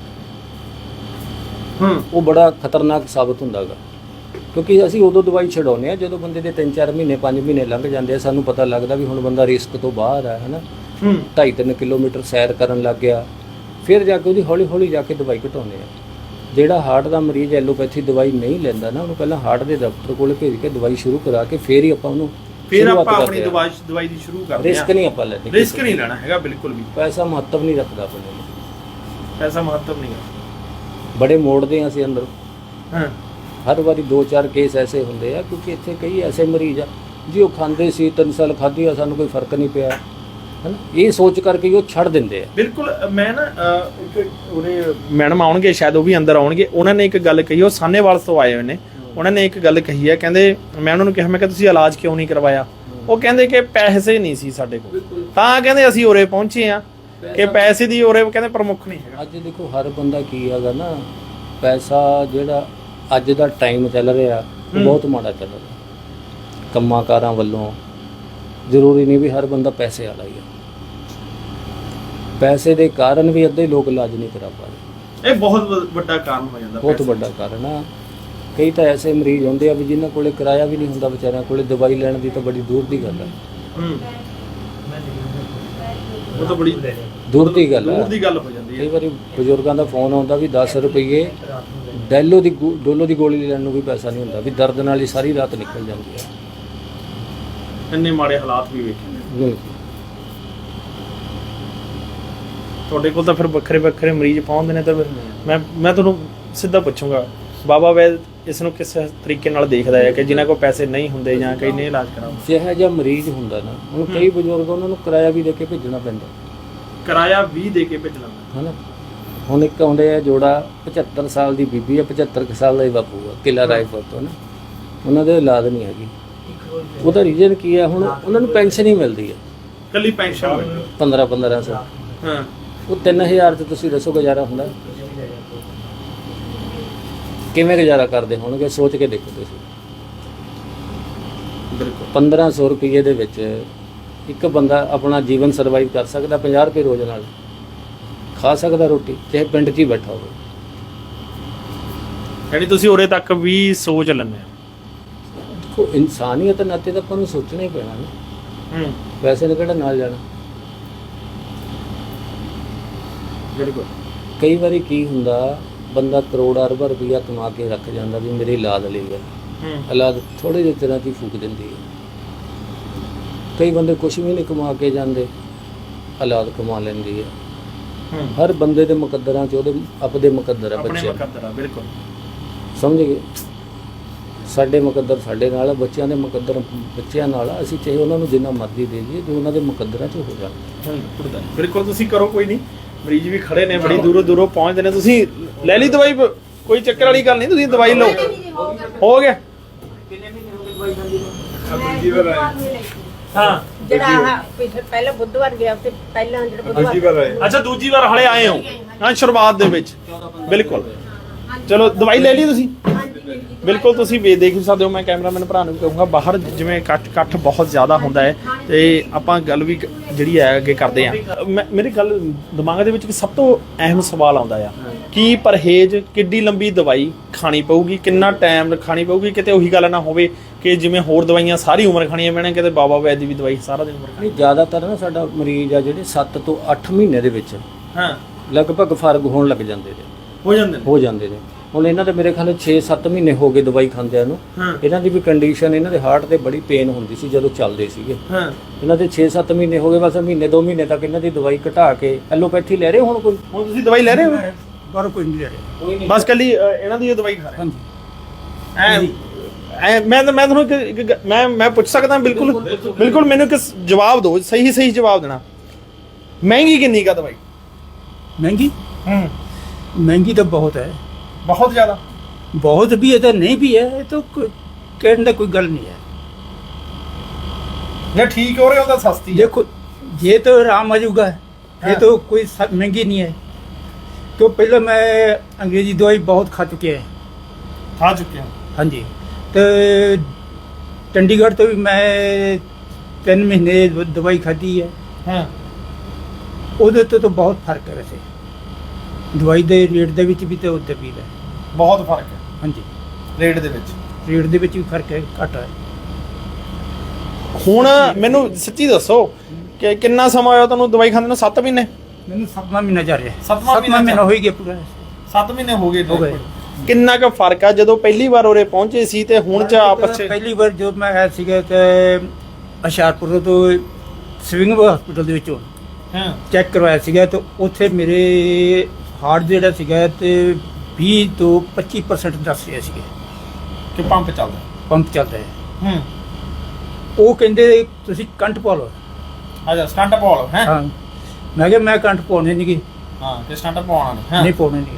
ਹੂੰ ਉਹ ਬੜਾ ਖਤਰਨਾਕ ਸਾਬਤ ਹੁੰਦਾ ਗਾ। ਕਿਉਂਕਿ ਅਸੀਂ ਉਦੋਂ ਦਵਾਈ ਛਡਾਉਂਦੇ ਆ ਜਦੋਂ ਬੰਦੇ ਦੇ ਤਿੰਨ ਚਾਰ ਮਹੀਨੇ ਪੰਜ ਮਹੀਨੇ ਲੰਘ ਜਾਂਦੇ ਆ, ਸਾਨੂੰ ਪਤਾ ਲੱਗਦਾ ਵੀ ਹੁਣ ਬੰਦਾ ਰਿਸਕ ਤੋਂ ਬਾਹਰ ਆ, ਹਨਾ, ਹੂੰ ਢਾਈ ਤਿੰਨ ਕਿਲੋਮੀਟਰ ਸੈਰ ਕਰਨ ਲੱਗ ਗਿਆ, ਫਿਰ ਜਾ ਕੇ ਉਹਦੀ ਹੌਲੀ ਹੌਲੀ ਜਾ ਕੇ ਦਵਾਈ ਘਟਾਉਂਦੇ ਆ। ਜਿਹੜਾ ਹਾਰਟ ਦਾ ਮਰੀਜ਼ ਐਲੋਪੈਥੀ ਦਵਾਈ ਨਹੀਂ ਲੈਂਦਾ ਨਾ, ਉਹਨੂੰ ਪਹਿਲਾਂ ਹਾਰਟ ਦੇ ਡਾਕਟਰ ਕੋਲ ਭੇਜ ਕੇ ਦਵਾਈ ਸ਼ੁਰੂ ਕਰਾ ਕੇ ਫਿਰ ਹੀ ਆਪਾਂ ਉਹਨੂੰ ਫਿਰ ਆਪਾਂ ਆਪਣੀ ਦਵਾਈ ਦਵਾਈ ਦੀ ਸ਼ੁਰੂ ਕਰਦੇ ਆ। ਰਿਸਕ ਨਹੀਂ ਆਪਾਂ ਲੈਂਦੇ, ਰਿਸਕ ਨਹੀਂ ਲੈਣਾ ਹੈਗਾ ਬਿਲਕੁਲ ਵੀ। ਪੈਸਾ ਮਹੱਤਵ ਨਹੀਂ ਰੱਖਦਾ ਆਪਣੇ ਨੂੰ, ਪੈਸਾ ਮਹੱਤਵ ਨਹੀਂ ਹੈ। ਬੜੇ ਮੋੜਦੇ ਆ ਅਸੀਂ ਅੰਦਰ। ਹਾਂ ਹਰ ਵਾਰੀ ਦੋ ਚਾਰ ਕੇਸ ਐਸੇ ਹੁੰਦੇ ਆ, ਕਿਉਂਕਿ ਇੱਥੇ ਕਈ ਐਸੇ ਮਰੀਜ਼ ਆ ਜੀ ਉਹ ਖਾਂਦੇ ਸੀ, ਤਿੰਨ ਸਾਲ ਖਾਧੀ ਆ, ਸਾਨੂੰ ਕੋਈ ਫਰਕ ਨਹੀਂ ਪਿਆ, ਹਨਾ, ਇਹ ਸੋਚ ਕਰਕੇ ਉਹ ਛੱਡ ਦਿੰਦੇ ਆ। ਬਿਲਕੁਲ। ਮੈਂ ਨਾ ਅਹ, ਇੱਕ ਉਹਨੇ ਮੈਡਮ ਆਉਣਗੇ ਸ਼ਾਇਦ, ਉਹ ਵੀ ਅੰਦਰ ਆਉਣਗੇ, ਉਹਨਾਂ ਨੇ ਇੱਕ ਗੱਲ ਕਹੀ, ਉਹ ਸਾਹਨੇਵਾਲ ਤੋਂ ਆਏ ਹੋਏ ਨੇ, ਉਹਨਾਂ ਨੇ ਇੱਕ ਗੱਲ ਕਹੀ ਹੈ, ਕਹਿੰਦੇ ਮੈਂ ਉਹਨਾਂ ਨੂੰ ਕਿਹਾ ਮੈਂ ਕਿ ਤੁਸੀਂ ਇਲਾਜ ਕਿਉਂ ਨਹੀਂ ਕਰਵਾਇਆ? ਉਹ ਕਹਿੰਦੇ ਕਿ ਪੈਸੇ ਨਹੀਂ ਸੀ ਸਾਡੇ ਕੋਲ, ਤਾਂ ਕਹਿੰਦੇ ਅਸੀਂ ਉਰੇ ਪਹੁੰਚੇ ਆ ਕਿ ਪੈਸੇ ਦੀ ਉਰੇ ਕਹਿੰਦੇ ਪ੍ਰਮੁੱਖ ਨਹੀਂ ਹੈਗਾ। ਅੱਜ ਦੇਖੋ ਹਰ ਬੰਦਾ ਕੀ ਹੈਗਾ ਨਾ, ਪੈਸਾ ਜਿਹੜਾ ਅੱਜ ਦਾ ਟਾਈਮ ਚੱਲ ਰਿਹਾ ਉਹ ਬਹੁਤ ਮਾੜਾ ਚੱਲ ਰਿਹਾ ਕੰਮਾਂ ਕਾਰਾਂ ਵੱਲੋਂ। ਜ਼ਰੂਰੀ ਨਹੀਂ ਵੀ ਹਰ ਬੰਦਾ ਪੈਸੇ ਵਾਲਾ ਹੀ ਹੈ, ਪੈਸੇ ਦੇ ਕਾਰਨ ਵੀ ਅੱਧੇ ਲੋਕ ਇਲਾਜ ਨਹੀਂ ਕਰਾ ਪਾ ਰਹੇ। ਇਹ ਬਹੁਤ ਵ- ਵੱਡਾ ਕਾਰਨ ਹੋ ਜਾਂਦਾ, ਬਹੁਤ ਵੱਡਾ ਕਾਰਨ ਆ। ਕਈ ਤਾਂ ਐਸੇ ਮਰੀਜ਼ ਹੁੰਦੇ ਆ ਵੀ ਜਿਨ੍ਹਾਂ ਕੋਲੇ ਕਿਰਾਇਆ ਵੀ ਨਹੀਂ ਹੁੰਦਾ, ਵਿਚਾਰਿਆਂ ਕੋਲੇ ਦਵਾਈ ਲੈਣ ਦੀ ਤਾਂ ਬੜੀ ਦੂਰ ਦੀ ਗੱਲ ਹੈ। ਹੂੰ ਉਹ ਤਾਂ ਬੜੀ ਦੂਰ ਦੀ ਗੱਲ ਹੈ, ਦੂਰ ਦੀ ਗੱਲ ਹੋ ਜਾਂਦੀ ਹੈ। ਕਈ ਵਾਰੀ ਬਜ਼ੁਰਗਾਂ ਦਾ ਫੋਨ ਆਉਂਦਾ ਵੀ ਦਸ ਰੁਪਏ ਡੈਲੋ ਦੀ ਗੋ- ਡੋਲੋ ਦੀ ਗੋਲੀ ਲੈਣ ਨੂੰ ਵੀ ਪੈਸਾ ਨਹੀਂ ਹੁੰਦਾ, ਵੀ ਦਰਦ ਨਾਲ ਹੀ ਸਾਰੀ ਰਾਤ ਨਿਕਲ ਜਾਂਦੀ ਹੈ। ਇੰਨੇ ਮਾੜੇ ਹਾਲਾਤ ਵੀ ਵੇਖੇ ਨੇ। ਨਹੀਂ, ਤੁਹਾਡੇ ਕੋਲ ਤਾਂ ਫਿਰ ਵੱਖਰੇ ਵੱਖਰੇ ਮਰੀਜ਼ ਪਹੁੰਚਦੇ ਨੇ, ਤਾਂ ਫਿਰ ਮੈਂ ਮੈਂ ਤੁਹਾਨੂੰ ਸਿੱਧਾ ਪੁੱਛੂੰਗਾ, ਬਾਬਾ ਵੈਦ ਇਸ ਨੂੰ ਕਿਸ ਤਰੀਕੇ ਨਾਲ ਦੇਖਦਾ ਹੈ ਕਿ ਜਿਨ੍ਹਾਂ ਕੋਲ ਪੈਸੇ ਨਹੀਂ ਹੁੰਦੇ ਜਾਂ ਕਈ ਨਹੀਂ ਇਲਾਜ ਕਰਾਉਂਦੇ? ਜਿਹੋ ਜਿਹਾ ਮਰੀਜ਼ ਹੁੰਦਾ ਨਾ, ਹੁਣ ਕਈ ਬਜ਼ੁਰਗ ਉਹਨਾਂ ਨੂੰ ਕਿਰਾਇਆ ਵੀ ਦੇ ਕੇ ਭੇਜਣਾ ਪੈਂਦਾ, ਕਿਰਾਇਆ ਵੀ ਦੇ ਕੇ ਭੇਜਣਾ ਪੈਂਦਾ। ਹੈ ਨਾ। ਹੁਣ ਇੱਕ ਆਉਂਦੇ ਆ ਜੋੜਾ, ਪਝੱਤਰ ਸਾਲ ਦੀ ਬੀਬੀ ਹੈ, ਪਝੱਤਰ ਕੁ ਸਾਲ ਦਾ ਹੀ ਬਾਪੂ ਆ, ਕਿਲਾ ਰਾਏਪੁਰ ਤੋਂ ਨਾ, ਉਹਨਾਂ ਦੇ ਔਲਾਦ ਨਹੀਂ ਹੈਗੀ। ਉਹਦਾ ਰੀਜ਼ਨ ਕੀ ਹੈ? ਹੁਣ ਉਹਨਾਂ ਨੂੰ ਪੈਨਸ਼ਨ ਹੀ ਮਿਲਦੀ ਹੈ, ਕੱਲੀ ਪੈਨਸ਼ਨ ਮਿਲਦੀ। ਪੰਦਰਾਂ ਪੰਦਰਾਂ ਸੌ। ਹਾਂ ਉਹ ਤਿੰਨ ਹਜ਼ਾਰ 'ਚ ਤੁਸੀਂ ਦੱਸੋ ਗੁਜ਼ਾਰਾ ਹੁੰਦਾ? ਕਿਵੇਂ ਗੁਜ਼ਾਰਾ ਕਰਦੇ ਹੋਣਗੇ? ਸੋਚ ਕੇ ਦੇਖੋ ਤੁਸੀਂ। ਬਿਲਕੁਲ ਪੰਦਰਾਂ ਸੌ ਰੁਪਏ ਦੇ ਵਿੱਚ ਇੱਕ ਬੰਦਾ ਆਪਣਾ ਜੀਵਨ ਸਰਵਾਈਵ ਕਰ ਸਕਦਾ, ਪੰਜਾਹ ਰੁਪਏ ਰੋਜ਼ ਨਾਲ ਖਾ ਸਕਦਾ ਰੋਟੀ, ਚਾਹੇ ਪਿੰਡ 'ਚ ਹੀ ਬੈਠਾ ਹੋਵੇ। ਯਾਨੀ ਤੁਸੀਂ ਉਰੇ ਤੱਕ ਵੀ ਸੋਚ ਲੈਂਦੇ ਹੋ? ਦੇਖੋ ਇਨਸਾਨੀਅਤ ਨਾਤੇ ਤਾਂ ਆਪਾਂ ਨੂੰ ਸੋਚਣਾ ਹੀ ਪੈਣਾ ਨਾ, ਹੂੰ ਵੈਸੇ ਨੇ ਕਿਹੜਾ ਨਾਲ ਜਾਣਾ। ਬਿਲਕੁਲ। ਕਈ ਵਾਰੀ ਕੀ ਹੁੰਦਾ, ਬੰਦਾ ਕਰੋੜਾਂ ਅਰਬਾਂ ਰੁਪਈਆ ਕਮਾ ਕੇ ਰੱਖ ਜਾਂਦਾ ਵੀ ਮੇਰੀ ਔਲਾਦ ਲਈ ਹੈ, ਔਲਾਦ ਥੋੜੇ ਜਿਹੇ ਤਰ੍ਹਾਂ ਦੀ ਫੂਕ ਦਿੰਦੀ ਹੈ। ਕਈ ਬੰਦੇ ਕੁਛ ਵੀ ਨਹੀਂ ਕਮਾ ਕੇ ਜਾਂਦੇ, ਔਲਾਦ ਕਮਾ ਲੈਂਦੀ ਹੈ। ਹਰ ਬੰਦੇ ਦੇ ਮੁਕੱਦਰਾਂ 'ਚ ਉਹਦੇ ਆਪਦੇ ਮੁਕੱਦਰ ਆ, ਆਪਣੇ ਬੱਚੇ ਮੁਕੱਦਰ ਆ, ਬਿਲਕੁਲ ਸਮਝ ਗਏ। ਸਾਡੇ ਮੁਕੱਦਰ ਸਾਡੇ ਨਾਲ ਆ, ਬੱਚਿਆਂ ਦੇ ਮੁਕੱਦਰ ਬੱਚਿਆਂ ਨਾਲ ਆ। ਅਸੀਂ ਚਾਹੇ ਉਹਨਾਂ ਨੂੰ ਜਿੰਨਾ ਮਰਜ਼ੀ ਦੇ ਦਈਏ ਜੋ ਉਹਨਾਂ ਦੇ ਮੁਕੱਦਰਾਂ 'ਚ ਹੋ ਜਾਣ। ਬਿਲਕੁਲ ਤੁਸੀਂ ਕਰੋ, ਕੋਈ ਨਹੀਂ। ਮਰੀਜ਼ ਵੀ ਖੜੇ ਨੇ, ਬੜੀ ਦੂਰੋਂ ਦੂਰੋਂ ਪਹੁੰਚਦੇ ਨੇ। ਤੁਸੀਂ ਲੈ ਲਈ ਦਵਾਈ, ਕੋਈ ਚੱਕਰ ਵਾਲੀ ਗੱਲ ਨਹੀਂ, ਤੁਸੀਂ ਦਵਾਈ ਲਓ। ਹੋ ਗਿਆ ਹਾਂ। ਜਿਹੜਾ ਪਹਿਲਾਂ ਬੁੱਧਵਾਰ ਗਿਆ ਤੇ ਪਹਿਲਾਂ ਜਿਹੜਾ ਬੁੱਧਵਾਰ ਅੱਛਾ, ਦੂਜੀ ਵਾਰ ਹਲੇ ਆਏ ਹੋ ਹਾਂ ਸ਼ੁਰੂਆਤ ਦੇ ਵਿੱਚ। ਬਿਲਕੁਲ, ਚਲੋ ਦਵਾਈ ਲੈ ਲਈ ਤੁਸੀਂ। ਬਿਲਕੁਲ, ਤੁਸੀਂ ਵੀ ਦੇਖ ਸਕਦੇ ਹੋ। ਮੈਂ ਕੈਮਰਾਮੈਨ ਭਰਾ ਨੂੰ ਵੀ ਕਹੂੰਗਾ, ਬਾਹਰ ਜਿਵੇਂ ਇਕੱਠ ਇਕੱਠ ਬਹੁਤ ਜ਼ਿਆਦਾ ਹੁੰਦਾ ਹੈ ਤੇ ਆਪਾਂ ਗੱਲ ਵੀ ਜਿਹੜੀ ਹੈ ਅੱਗੇ ਕਰਦੇ ਹਾਂ। ਮੈਂ ਮੇਰੀ ਗੱਲ ਦਿਮਾਗ ਦੇ ਵਿੱਚ ਸਭ ਤੋਂ ਅਹਿਮ ਸਵਾਲ ਆਉਂਦਾ ਆ, ਕੀ ਪਰਹੇਜ਼, ਕਿੱਡੀ ਲੰਬੀ ਦਵਾਈ ਖਾਣੀ ਪਊਗੀ, ਕਿੰਨਾ ਟਾਈਮ ਖਾਣੀ ਪਊਗੀ? ਕਿਤੇ ਉਹੀ ਗੱਲ ਨਾ ਹੋਵੇ ਕਿ ਜਿਵੇਂ ਹੋਰ ਦਵਾਈਆਂ ਸਾਰੀ ਉਮਰ ਖਾਣੀਆਂ ਪੈਣੀਆਂ, ਕਿਤੇ ਬਾਬਾ ਵੈਦ ਦੀ ਵੀ ਦਵਾਈ ਸਾਰਾ ਦਿਨ ਉਮਰ ਖਾਣੀ। ਨਹੀਂ, ਜ਼ਿਆਦਾਤਰ ਨਾ ਸਾਡਾ ਮਰੀਜ਼ ਆ ਜਿਹੜੇ ਸੱਤ ਤੋਂ ਅੱਠ ਮਹੀਨੇ ਦੇ ਵਿੱਚ ਹਾਂ ਲਗਭਗ ਫਰਕ ਹੋਣ ਲੱਗ ਜਾਂਦੇ ਨੇ ਹੋ ਜਾਂਦੇ ਨੇ ਹੋ ਜਾਂਦੇ ਨੇ ਹੁਣ ਇਹਨਾਂ ਦੇ ਮੇਰੇ ਖਿਆਲ ਛੇ ਸੱਤ ਮਹੀਨੇ ਹੋ ਗਏ ਦਵਾਈ ਖਾਂਦਿਆਂ ਨੂੰ। ਇਹਨਾਂ ਦੀ ਵੀ ਕੰਡੀਸ਼ਨ, ਇਹਨਾਂ ਦੇ ਹਾਰਟ ਤੇ ਬੜੀ ਪੇਨ ਹੁੰਦੀ ਸੀ ਜਦੋਂ ਚੱਲਦੇ ਸੀਗੇ। ਹਾਂ, ਇਹਨਾਂ ਦੇ ਛੇ ਸੱਤ ਮਹੀਨੇ ਹੋ ਗਏ, ਬਸ ਮਹੀਨੇ ਦੋ ਮਹੀਨੇ ਤੱਕ ਇਹਨਾਂ ਦੀ ਦਵਾਈ ਘਟਾ ਕੇ ਐਲੋਪੈਥੀ ਲੈ ਰਹੇ। ਹੁਣ ਕੋਈ ਹੁਣ ਤੁਸੀਂ ਦਵਾਈ ਲੈ ਰਹੇ ਹੋ? ਪਰ ਕੋਈ ਨਹੀਂ ਲੈ ਰਿਹਾ, ਬਸ ਕੱਲੀ ਅ, ਇਹਨਾਂ ਦੀ ਦਵਾਈ ਖਾ ਰਹੇ? ਹਾਂਜੀ। ਐ ਮੈਂ ਮੈਂ ਤੁਹਾਨੂੰ ਇੱਕ- ਇੱਕ ਗ- ਮੈਂ ਮੈਂ ਪੁੱਛ ਸਕਦਾ? ਬਿਲਕੁਲ ਬਿਲਕੁਲ, ਮੈਨੂੰ ਇੱਕ ਜਵਾਬ ਦਿਓ, ਸਹੀ ਸਹੀ ਜਵਾਬ ਦੇਣਾ। ਮਹਿੰਗੀ ਕਿੰਨੀ ਕਾ ਦਵਾਈ? महंगी ਹੂੰ, महंगी तो बहुत है, ਬਹੁਤ ਜ਼ਿਆਦਾ। बहुत भी है तो नहीं भी है, ये तो कोई- कहने का कोई गल नहीं है। ਜੇ ਠੀਕ ਹੋ ਰਹੇ ਹੋ ਤਾਂ ਸਸਤੀ ਹੈ। देखो ये तो आराम आजूगा है, ये तो कोई सा- महंगी नहीं है। तो पहले मैं अंग्रेजी दवाई बहुत खा चुके हैं। ਖਾ ਚੁੱਕੇ ਹਾਂ। हाँ जी, तो चंडीगढ़ तो भी मैं तीन महीने दवाई खाधी है। ਹਾਂ, ਉਹਦੇ ਤੋਂ ਤਾਂ ਬਹੁਤ ਫਰਕ ਹੈ ਵੈਸੇ, ਦਵਾਈ ਦੇ ਰੇਟ ਦੇ ਵਿੱਚ ਵੀ ਤੇ ਉਹਦੇ ਵੀ ਹੈ। ਬਹੁਤ ਫਰਕ ਹੈ ਹਾਂਜੀ, ਰੇਟ ਦੇ ਵਿੱਚ। ਰੇਟ ਦੇ ਵਿੱਚ ਵੀ ਫਰਕ ਹੈ, ਘੱਟ ਹੈ। ਹੁਣ ਮੈਨੂੰ ਸੱਚੀ ਦੱਸੋ ਕਿ ਕਿੰਨਾ ਸਮਾਂ ਹੋਇਆ ਤੁਹਾਨੂੰ ਦਵਾਈ ਖਾਂਦੇ ਨੂੰ? ਸੱਤ ਮਹੀਨੇ? ਮੈਨੂੰ ਸੱਤਵਾਂ ਮਹੀਨਾ ਜਾ ਰਿਹਾ। ਸੱਤਵਾਂ ਮਹੀਨਾ ਮਹੀਨਾ ਹੋ ਹੀ ਗਿਆ ਪੂਰਾ। ਸੱਤ ਮਹੀਨੇ ਹੋ ਗਏ। ਹੋ ਗਏ। ਕਿੰਨਾ ਕੁ ਫਰਕ ਆ ਜਦੋਂ ਪਹਿਲੀ ਵਾਰ ਉਰੇ ਪਹੁੰਚੇ ਸੀ ਤੇ ਹੁਣ ਚ ਆਪਸ ਚ? ਪਹਿਲੀ ਵਾਰ ਜੋ ਮੈਂ ਆਇਆ ਸੀਗਾ ਤੇ ਹੁਸ਼ਿਆਰਪੁਰ ਤੋਂ ਸਵਿੰਗ ਹਸਪੀਟਲ ਦੇ ਵਿੱਚੋਂ ਹਾਂ, ਚੈੱਕ ਕਰਵਾਇਆ ਸੀਗਾ ਤੇ ਉੱਥੇ ਮੇਰੇ ਹਾਰਟ ਜਿਹੜਾ ਸੀਗਾ ਤੇ ਵੀਹ ਤੋਂ ਪੱਚੀ ਪਰਸੈਂਟ ਦੱਸ ਰਿਹਾ ਸੀਗਾ ਕਿ ਪੰਪ ਚੱਲਦਾ। ਪੰਪ ਚੱਲਦਾ ਹੈ। ਹੂੰ, ਉਹ ਕਹਿੰਦੇ ਤੁਸੀਂ ਕੰਟ ਪਾ ਲਓ। ਅੱਛਾ, ਸਟੰਟ ਪਾਉ ਹੈ? ਹਾਂ, ਮੈਂ ਕਿਹਾ ਮੈਂ ਕੰਟ ਪਾਉਣੇ ਨਹੀਂ ਗੀ, ਹਾਂ, ਕਿ ਸਟੰਟ ਪਾਉਣਾ ਨਹੀਂ। ਹਾਂ, ਨਹੀਂ ਪਾਉਣੇ ਨਹੀਂ।